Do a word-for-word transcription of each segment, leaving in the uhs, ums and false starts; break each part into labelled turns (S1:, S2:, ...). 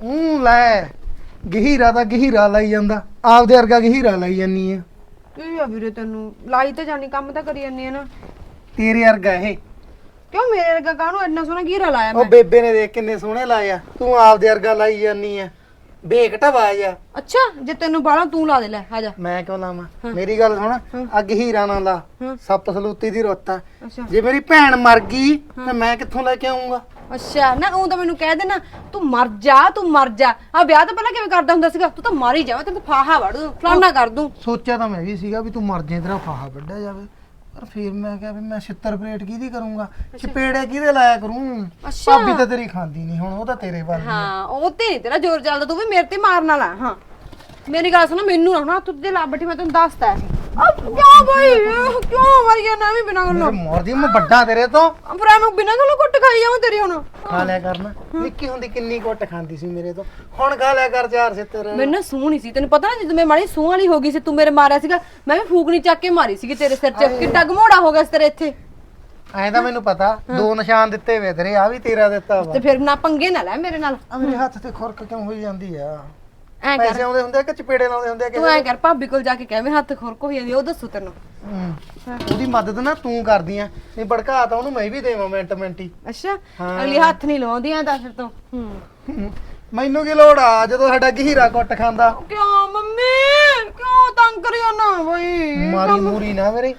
S1: ਹੂੰ ਲੈ ਗਹੀਰਾ ਤਾਂ ਗਹੀਰਾ ਲਾਈ ਜਾਂਦਾ ਆਪਦੇ ਵਰਗਾ ਗਹੀਰਾ ਲਾਈ ਜਾਨੀ ਆ
S2: ਇਹ ਆ ਵੀਰੇ ਤੈਨੂੰ ਲਾਈ ਤਾਂ ਜਾਣੀ ਕੰਮ ਤਾਂ ਕਰੀ ਜਾਂਦੀ ਆ ਨਾ
S1: ਤੇਰੇ ਵਰਗਾ ਇਹ
S2: ਕਿਉਂ ਮੇਰੇ ਵਰਗਾ ਕਾਹਨੂੰ ਇੰਨਾ ਸੋਹਣਾ ਘੀਰਾ ਲਾਇਆ
S1: ਉਹ
S2: ਮੈਂ
S1: ਬੇਬੇ ਨੇ ਦੇਖ ਕਿੰਨੇ ਸੋਹਣੇ ਲਾਏ ਆ ਤੂੰ ਆਪਦੇ ਵਰਗਾ ਲਾਈ ਜਾਨੀ ਆ ਬੇਕ ਢਵਾਜ ਆ
S2: ਅੱਛਾ ਜੇ ਤੈਨੂੰ ਬਾਲਾ ਤੂੰ ਲਾ ਦੇ ਲੈ ਆ ਜਾ
S1: ਮੈਂ ਕਿਉਂ ਲਾਵਾਂ ਮੇਰੀ ਗੱਲ ਸੁਣ ਅੱਗ ਹੀਰਾ ਨਾ ਲਾ ਸੱਪ ਸਲੂਤੀ ਦੀ ਰੁੱਤ ਆ
S2: ਅੱਛਾ
S1: ਜੇ ਮੇਰੀ ਭੈਣ ਮਰ ਗਈ ਤਾਂ ਮੈਂ ਕਿੱਥੋਂ ਲੈ ਕੇ ਆਉਂਗਾ
S2: ਅੱਛਾ ਨਾ ਉਹ ਤਾਂ ਮੈਨੂੰ ਕਹਿ ਦੇਣਾ ਤੂੰ ਮਰ ਜਾ ਤੂੰ ਮਰ ਜਾ ਆ ਵਿਆਹ ਤੋਂ ਪਹਿਲਾਂ ਕਿਵੇਂ ਕਰਦਾ ਹੁੰਦਾ ਸੀਗਾ ਤੂੰ ਤਾਂ ਮਰ ਹੀ ਜਾਵੇਂ ਤੈਨੂੰ ਫਾਹਾ ਵੜ ਦੂੰ ਫਲਾਨਾ ਕਰ ਦੂੰ
S1: ਸੋਚਿਆ ਤਾਂ ਮੈਂ ਵੀ ਸੀਗਾ ਵੀ ਤੂੰ ਮਰ ਜੇ ਤੇਰਾ ਫਾਹਾ ਵੱਢਿਆ ਜਾਵੇ ਪਰ ਫਿਰ ਮੈਂ ਕਿਹਾ ਵੀ ਮੈਂ ਛਿੱਤਰ ਪਲੇਟ ਕਿਹਦੀ ਕਰੂੰਗਾ ਚਪੇੜੇ ਕਿਹਦੇ ਲਾਇਆ ਕਰੂੰ
S2: ਅੱਛਾ।
S1: ਭਾਬੀ ਤਾਂ ਤੇਰੀ ਖਾਂਦੀ ਨਹੀਂ ਹੁਣ ਉਹ ਤਾਂ ਤੇਰੇ ਵੱਲ ਹੀ ਆ।
S2: ਹਾਂ ਉਹ ਤੇ ਨੀ ਤੇਰਾ ਜ਼ੋਰ ਚੱਲਦਾ ਤੂੰ ਵੀ ਮੇਰੇ ਤੇ ਮਾਰਨ ਵਾਲਾ ਹਾਂ ਮੇਰੀ ਗੱਲ ਸੁਣ ਮੈਨੂੰ ਨਾ ਹੁਣ ਤੂੰ ਤੇ ਲਾ ਬੈਠੀ ਮੈਂ ਤੈਨੂੰ ਦੱਸਦਾ ਆ ਕਿਉਂ ਭਾਈ ਕਿਉਂ ਮਰ ਗਿਆ ਨਾ ਵੀ ਬਿਨਾਂ ਗੱਲੋਂ
S1: ਮੇਰੇ ਮੋਰ ਦੀ ਮੈਂ ਵੱਡਾ ਤੇਰੇ ਤੋਂ
S2: ਪਰ ਮੈਂ ਬਿਨਾਂ ਗੱਲੋਂ ਕੁੱਟ ਖਾਈ ਜਾਵਾਂ ਤੇਰੀ ਹੁਣ
S1: ਖਾ ਲਿਆ ਕਰਨਾ ਨਿੱਕੀ ਹੁੰਦੀ ਕਿੰਨੀ ਕੁੱਟ ਖਾਂਦੀ ਸੀ ਮੇਰੇ ਤੋਂ ਹੁਣ ਖਾ ਲਿਆ ਕਰ ਚਾਰ ਛਿੱਤਰ
S2: ਮੈਨੂੰ ਨਾ ਸੂਹ ਨਹੀਂ ਸੀ ਤੈਨੂੰ ਪਤਾ ਨਾ ਜਦੋਂ ਮੈਂ ਮਾੜੀ ਸੂਹ ਵਾਲੀ ਹੋ ਗਈ ਸੀ ਤੂੰ ਮੇਰੇ ਮਾਰਿਆ ਸੀਗਾ ਮੈਂ ਵੀ ਫੂਕਣੀ ਚੱਕ ਕੇ ਮਾਰੀ ਸੀਗੀ ਤੇਰੇ ਸਿਰ 'ਚ ਕਿੱਡਾ ਘਮੋੜਾ ਹੋ ਗਿਆ ਸੀ ਤੇਰੇ ਇੱਥੇ
S1: ਐਂ ਤਾਂ ਮੈਨੂੰ ਪਤਾ ਦੋ ਨਿਸ਼ਾਨ ਦਿੱਤੇ ਵੇ ਤੇਰੇ ਆ ਵੀ ਤੇਰਾ ਦਿੱਤਾ ਵਾ
S2: ਤੇ ਫਿਰ ਨਾ ਪੰਗੇ ਨਾ ਲੈ ਮੇਰੇ ਨਾਲ
S1: ਆ ਮੇਰੇ ਹੱਥ ਤੇ ਖੁਰਕ ਕਿਉਂ ਹੋਈ ਜਾਂਦੀ ਆ
S2: ਐ
S1: ਪੈਸੇ
S2: ਕਰ
S1: ਆਉਂਦੇ ਹੁੰਦੇ ਆ ਕਿ ਚਪੇੜੇ ਲਾਉਂਦੇ ਹੁੰਦੇ ਆ
S2: ਤੂੰ ਐ ਕਰ ਭਾਬੀ ਕੋਲ ਜਾ ਕੇ ਕਹਿ ਮੇਰੇ ਹੱਥ ਖੁਰਕ ਹੋ ਜਾਂਦੀ ਉਹ ਦੱਸੂ ਤੈਨੂੰ
S1: ਹੂੰ। ਉਹਦੀ ਮਦਦ ਨਾ ਤੂੰ ਕਰਦੀ ਆ ਨਹੀਂ ਭੜਕਾ ਤਾਂ ਉਹਨੂੰ ਮੈਂ ਵੀ ਦੇਵਾਂ ਮਿੰਟ ਮਿੰਟੀ
S2: ਅੱਛਾ
S1: ਹਾਂ।
S2: ਅਗਲੀ ਹੱਥ ਨਹੀਂ ਲਾਉਂਦੀਆਂ ਤਾਂ ਫਿਰ ਤੂੰ ਹੂੰ
S1: ਹੂੰ। ਮੈਨੂੰ ਕੀ ਲੋੜ ਆ ਜਦੋਂ ਸਾਡਾ ਗਹੀਰਾ ਕੁੱਟ ਖਾਂਦਾ
S2: ਕਿਉਂ ਮੰਮੀ ਕਿਉਂ ਤੰਗ ਕਰਿਆ ਨਾ ਬਈ
S1: ਮਾਰੀ ਮੂਰੀ ਨਾ ਮੇਰੇ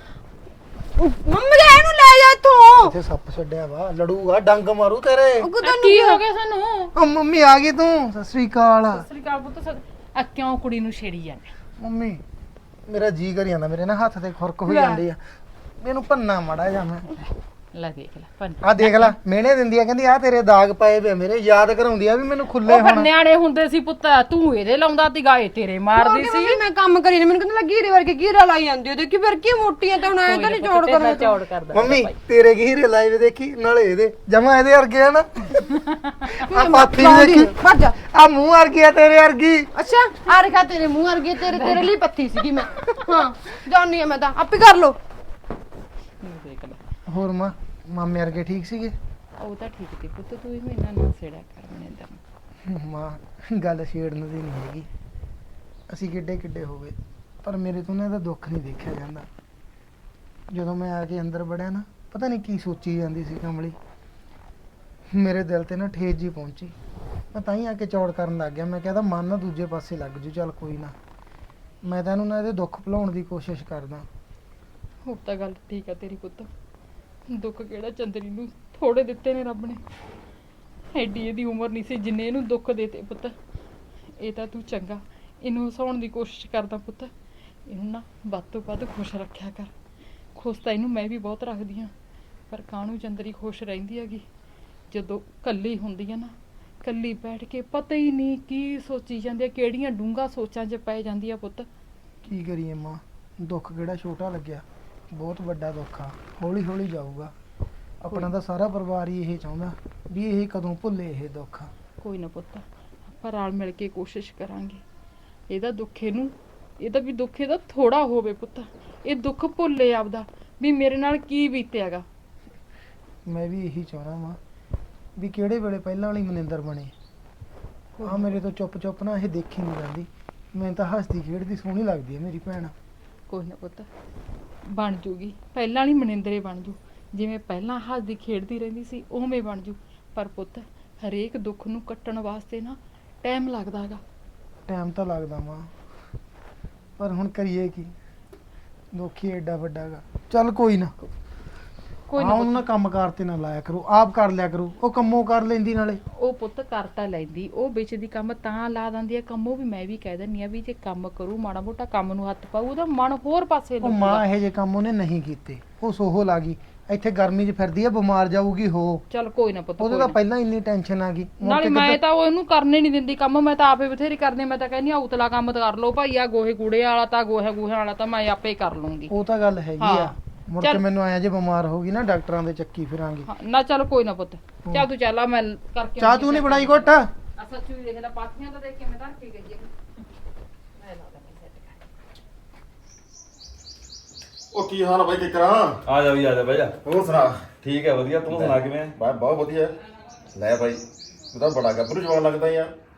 S2: ਮੰਮੀ ਲੈ ਇਹਨੂੰ ਲੈ ਜਾ ਇੱਥੋਂ
S1: ਇੱਥੇ ਸੱਪ ਛੱਡਿਆ ਵਾ ਲੜੂਗਾ ਡੰਗ ਮਾਰੂ ਤੇਰੇ
S2: ਉਹ ਕਿਦਾਂ
S3: ਕੀ ਹੋ ਗਿਆ ਸਾਨੂੰ
S1: ਓ ਮੰਮੀ ਆ ਗਈ ਤੂੰ ਸਤਿ ਸ੍ਰੀ ਅਕਾਲ
S3: ਸ੍ਰੀ ਅਕਾਲ ਪੁੱਤ ਸਤਿ- ਆ ਕਿਉਂ ਕੁੜੀ ਨੂੰ ਛੇੜੀ ਜਾਂਦੇ
S1: ਮੰਮੀ ਮੇਰਾ ਜੀ ਕਰੀ ਜਾਂਦਾ ਮੇਰੇ ਨਾ ਹੱਥ ਤੇ ਖੁਰਕ ਹੋਈ ਜਾਂਦੀ ਆ ਮੈਨੂੰ ਭੰਨਾ ਮੜਾ ਜਾ ਮੈਂ
S3: ਲੈ ਦੇਖ ਲੈ ਪੰਨ
S1: ਆ ਦੇਖ ਲੈ ਮਿਹਣੇ ਦਿੰਦੀ ਆ ਕਹਿੰਦੀ ਆ ਤੇਰੇ ਦਾਗ ਪਏ ਵੇ ਮੇਰੇ ਯਾਦ ਕਰਾਉਂਦੀ ਆ ਵੀ ਮੈਨੂੰ ਖੁੱਲੇ
S3: ਉਹ ਫਿਰ
S1: ਹੁਣ
S3: ਨਿਆਣੇ ਹੁੰਦੇ ਸੀ ਪੁੱਤ ਤੂੰ ਇਹਦੇ ਲਾਉਂਦਾ ਤੀ ਗਾਏ ਤੇਰੇ ਮਾਰਦੀ ਸੀ
S2: ਮੰਮੀ ਮੈਂ ਕੰਮ ਕਰੀ ਨਾ ਮੈਨੂੰ ਕਹਿੰਦਾ ਲੱਗੀ ਵਰਗੇ ਘੀਰਾ ਲਾਈ ਜਾਂਦੀ ਉਹ ਦੇਖੀ ਫਿਰ ਕੀ ਮੋਟੀਆਂ ਤੇ ਹੁਣ ਐ ਤਾਂ ਨਹੀਂ ਚੌੜ ਕਰ
S3: ਚੌੜ ਕਰਦਾ
S1: ਮੰਮੀ ਤੇਰੇ ਗਹੀਰੇ ਲਾਈਵ ਦੇਖੀ ਨਾਲੇ ਇਹਦੇ ਜਮਾ ਇਹਦੇ ਵਰਗੇ ਆ ਨਾ ਆ ਪਾਥੀ ਵੀ ਦੇਖੀ
S2: ਭੱਜ ਜਾ
S1: ਆ ਮੂੰਹ ਵਰਗੀ ਆ ਤੇਰੇ ਵਰਗੀ
S2: ਅੱਛਾ ਆ ਰਖਾ ਤੇਰੇ ਮੂੰਹ ਵਰਗੇ ਤੇਰੇ ਤੇਰੇ ਲਈ ਪੱਤੀ ਸੀਗੀ ਮੈਂ ਹਾਂ ਜਾਣੀ ਆ ਮੈਂ ਤਾਂ ਆਪੇ ਕਰ ਲੋ
S3: ਦੇਖ ਲੈ
S1: ਹੋਰ ਮਾਂ ਮਾਮੇ ਵਰਗੇ ਠੀਕ ਸੀਗੇ
S3: ਉਹ ਤਾਂ ਠੀਕ ਤੀ ਪੁੱਤ ਤੂੰ ਹੀ ਇਹਨਾਂ ਨਾਲ ਛੇੜਿਆ ਕਰ ਮਨਿੰਦਰ
S1: ਮਾਂ ਗੱਲ ਛੇੜਨ ਦੀ ਨਹੀਂ ਹੈਗੀ ਅਸੀਂ ਕਿੱਡੇ ਕਿੱਡੇ ਹੋ ਗਏ ਪਰ ਮੇਰੇ ਤੋਂ ਨਾ ਇਹਦਾ ਦੁੱਖ ਨਹੀਂ ਦੇਖਿਆ ਜਾਂਦਾ ਜਦੋਂ ਮੈਂ ਆ ਕੇ ਅੰਦਰ ਵੜਿਆ ਨਾ ਪਤਾ ਨਹੀਂ ਕੀ ਸੋਚੀ ਜਾਂਦੀ ਸੀ ਕਮਲੀ ਮੇਰੇ ਦਿਲ ਤੇ ਨਾ ਠੇਸ ਜੀ ਪਹੁੰਚੀ ਮੈਂ ਤਾਂ ਹੀ ਆ ਕੇ ਚੌੜ ਕਰਨ ਲੱਗ ਗਿਆ ਮੈਂ ਕਹਿੰਦਾ ਮਨ ਨਾ ਦੂਜੇ ਪਾਸੇ ਲੱਗ ਜੂ ਚੱਲ ਕੋਈ ਨਾ ਮੈਂ ਤਾਂ ਇਹਨੂੰ ਨਾ ਇਹਦੇ ਦੁੱਖ ਭੁਲਾਉਣ ਦੀ ਕੋਸ਼ਿਸ਼ ਕਰਦਾ
S3: ਉਹ ਤਾਂ ਗੱਲ ਠੀਕ ਆ ਤੇਰੀ ਪੁੱਤ ਦੁੱਖ ਕਿਹੜਾ ਚੰਦਰੀ ਨੂੰ ਥੋੜੇ ਦਿੱਤੇ ਨੇ ਰੱਬ ਨੇ ਐਡੀ ਇਹਦੀ ਉਮਰ ਨਹੀਂ ਸੀ ਜਿੰਨੇ ਇਹਨੂੰ ਦੁੱਖ ਦੇਤੇ ਪੁੱਤ ਇਹ ਤਾਂ ਤੂੰ ਚੰਗਾ ਇਹਨੂੰ ਹਸਾਉਣ ਦੀ ਕੋਸ਼ਿਸ਼ ਕਰਦਾ ਪੁੱਤ ਇਹਨੂੰ ਨਾ ਵੱਧ ਤੋਂ ਵੱਧ ਖੁਸ਼ ਰੱਖਿਆ ਕਰ ਖੁਸ਼ ਤਾਂ ਇਹਨੂੰ ਮੈਂ ਵੀ ਬਹੁਤ ਰੱਖਦੀ ਹਾਂ ਪਰ ਕਾਹਨੂੰ ਚੰਦਰੀ ਖੁਸ਼ ਰਹਿੰਦੀ ਹੈਗੀ ਜਦੋਂ ਕੱਲੀ ਹੁੰਦੀ ਹੈ ਨਾ ਕੱਲੀ ਬੈਠ ਕੇ ਪਤਾ ਹੀ ਨਹੀਂ ਕੀ ਸੋਚੀ ਜਾਂਦੀ ਹੈ ਕਿਹੜੀਆਂ ਡੂੰਘਾ ਸੋਚਾਂ 'ਚ ਪੈ ਜਾਂਦੀ ਆ ਪੁੱਤ
S1: ਕੀ ਕਰੀਏ ਮਾਂ ਦੁੱਖ ਕਿਹੜਾ ਛੋਟਾ ਲੱਗਿਆ ਬਹੁਤ ਵੱਡਾ ਦੁੱਖ ਆ ਹੌਲੀ ਹੌਲੀ ਜਾਊਗਾ ਆਪਣਾ ਤਾਂ ਸਾਰਾ ਪਰਿਵਾਰ ਹੀ ਇਹ ਚਾਹੁੰਦਾ ਵੀ ਇਹ ਕਦੋਂ ਭੁੱਲੇ ਇਹ ਦੁੱਖ
S3: ਕੋਈ ਨਾ ਪੁੱਤ ਆਪਾਂ ਰਲ ਮਿਲ ਕੇ ਕੋਸ਼ਿਸ਼ ਕਰਾਂਗੇ ਇਹਦਾ ਦੁੱਖ ਇਹਨੂੰ ਇਹਦਾ ਵੀ ਦੁੱਖ ਇਹਦਾ ਥੋੜਾ ਹੋਵੇ ਪੁੱਤ ਇਹ ਦੁੱਖ ਭੁੱਲੇ ਆਪਦਾ ਵੀ ਮੇਰੇ ਨਾਲ ਕੀ ਬੀਤਿਆਗਾ
S1: ਮੈਂ ਵੀ ਇਹੀ ਚਾਹੁੰਦਾ ਮਾਂ ਵੀ ਕਿਹੜੇ ਵੇਲੇ ਪਹਿਲਾਂ ਵਾਲੀ ਮਨਿੰਦਰ ਬਣੇ ਆ ਮੇਰੇ ਤੋਂ ਚੁੱਪ ਚੁੱਪ ਨਾ ਇਹ ਦੇਖੀ ਨਹੀਂ ਜਾਂਦੀ ਮੈਨੂੰ ਤਾਂ ਹੱਸਦੀ ਖੇਡਦੀ ਸੋਹਣੀ ਲੱਗਦੀ ਹੈ ਮੇਰੀ ਭੈਣ
S3: ਕੋਈ ਨਾ ਪੁੱਤ ਬਣ ਜੂਗੀ ਪਹਿਲਾਂ ਵਾਲੀ ਮਨਿੰਦਰੇ ਬਣ ਜੂ ਜਿਵੇਂ ਪਹਿਲਾਂ ਹੱਸਦੀ ਖੇਡਦੀ ਰਹਿੰਦੀ ਸੀ ਉਵੇਂ ਬਣ ਜੂ ਪਰ ਪੁੱਤ ਹਰੇਕ ਦੁੱਖ ਨੂੰ ਕੱਟਣ ਵਾਸਤੇ ਨਾ ਟਾਈਮ ਲੱਗਦਾ ਹੈਗਾ
S1: ਟਾਈਮ ਤਾਂ ਲੱਗਦਾ ਮਾਂ ਪਰ ਹੁਣ ਕਰੀਏ ਕੀ ਦੁੱਖ ਹੀ ਐਡਾ ਵੱਡਾ ਗਾ ਚੱਲ ਕੋਈ ਨਾ
S3: ਕੋਈ
S1: ਹਾਂ
S3: ਨਾ
S1: ਉਹਨਾਂ ਕੰਮ ਕਾਰ ਤੇ ਨਾ ਲਾਇਆ ਕਰੋ ਆਪ ਕਰ ਲਿਆ ਕਰੋ ਉਹ ਕੰਮੋਂ ਕਰ ਲੈਂਦੀ ਨਾਲੇ
S3: ਉਹ ਪੁੱਤ ਕਰਤਾ ਲੈਂਦੀ ਉਹ ਵਿੱਚ ਦੀ ਕੰਮ ਤਾਂ ਲਾ ਦਿੰਦੀ ਆ ਕੰਮੋਂ ਵੀ ਮੈਂ ਵੀ ਕਹਿ ਦਿੰਦੀ ਆ ਵੀ ਜੇ ਕੰਮ ਕਰੂ ਮਾੜਾ ਮੋਟਾ ਕੰਮ ਨੂੰ ਹੱਥ ਪਾਊ ਉਹਦਾ ਮਨ ਹੋਰ ਪਾਸੇ
S1: ਉਹ ਮਾਂ ਇਹੋ ਜਿਹੇ ਕੰਮ ਉਹਨੇ ਨਹੀਂ ਕੀਤੇ ਉਹ ਸੋਹੋ ਲਾ ਗਈ ਇੱਥੇ ਗਰਮੀ 'ਚ ਫਿਰਦੀ ਆ ਬਿਮਾਰ ਜਾਊਗੀ ਹੋ
S3: ਚੱਲ ਕੋਈ ਨਾ ਪੁੱਤ
S1: ਉਹਦੇ
S3: ਕੋਈ
S1: ਤਾਂ
S3: ਨਾ।
S1: ਪਹਿਲਾਂ ਇੰਨੀ ਟੈਨਸ਼ਨ ਆ ਗਈ ਮੁੜ
S3: ਨਾਲੇ
S1: ਕੇ
S3: ਮੈਂ
S1: ਕਿੱਦਾਂ-
S3: ਤਾਂ ਉਹਨੂੰ ਕਰਨੇ ਨਹੀਂ ਦਿੰਦੀ ਕੰਮ ਮੈਂ ਤਾਂ ਆਪੇ ਬਥੇਰੀ ਕਰਦੀ ਮੈਂ ਤਾਂ ਕਹਿੰਦੀ ਆ ਉਤਲਾ ਕੰਮ ਤਾਂ ਕਰ ਲਓ ਭਾਈ ਆ ਗੋਹੇ ਕੂੜੇ ਵਾਲਾ ਤਾਂ ਗੋਹੇ ਗੂਹੇ ਵਾਲਾ ਤਾਂ ਮੈਂ ਆਪੇ ਕਰ ਲੂੰਗੀ
S1: ਉਹ ਤਾਂ ਗੱਲ ਹੈਗੀ ਆ
S3: ਹਾਂ।
S1: ਮੁੜ ਕੇ
S3: ਚੱਲ।
S1: ਮੈਨੂੰ ਆਇਆ ਜੇ ਬਿਮਾਰ ਹੋ ਗਈ ਨਾ ਡਾਕਟਰਾਂ ਦੇ ਚੱਕੀ ਫਿਰਾਂਗੇ
S3: ਹਾਂ, ਨਾ ਚੱਲ ਕੋਈ ਨਾ ਪੁੱਤ ਚੱਲ ਤੂੰ ਚੱਲ ਆ ਮੈਂ ਕਰਕੇ
S1: ਚਾਹ ਤੂੰ ਨਹੀਂ ਬਣਾਈ ਘੁੱਟ
S3: ਆ ਸੱਚੀ ਵੀ ਦੇਖ ਲੈ ਪਾਥੀਆਂ ਤਾਂ ਦੇਖ ਕੇ ਮੈਂ ਧਰ ਕੇ ਗਈ ਆ ਮੈਂ ਲਾ ਦਾਂ ਸੈੱਟ ਕਰ
S4: ਉਹ ਕੀ ਹਾਲ ਆ ਬਾਈ ਕਿਕਰਾਂ
S5: ਆ ਜਾ ਵੀ ਆ ਜਾ ਬਹਿ ਜਾ
S4: ਹੋਰ ਸੁਣਾ
S5: ਠੀਕ ਹੈ ਵਧੀਆ ਤੂੰ ਸੁਣਾ ਕਿਵੇਂ ਆ?
S4: ਬਾ ਬਹੁਤ ਵਧੀਆ ਲੈ ਬਾਈ ਤੂੰ ਤਾਂ ਬੜਾ ਗੱਭਰੂ ਜਵਾਨ ਲੱਗਦਾ ਯਾਰ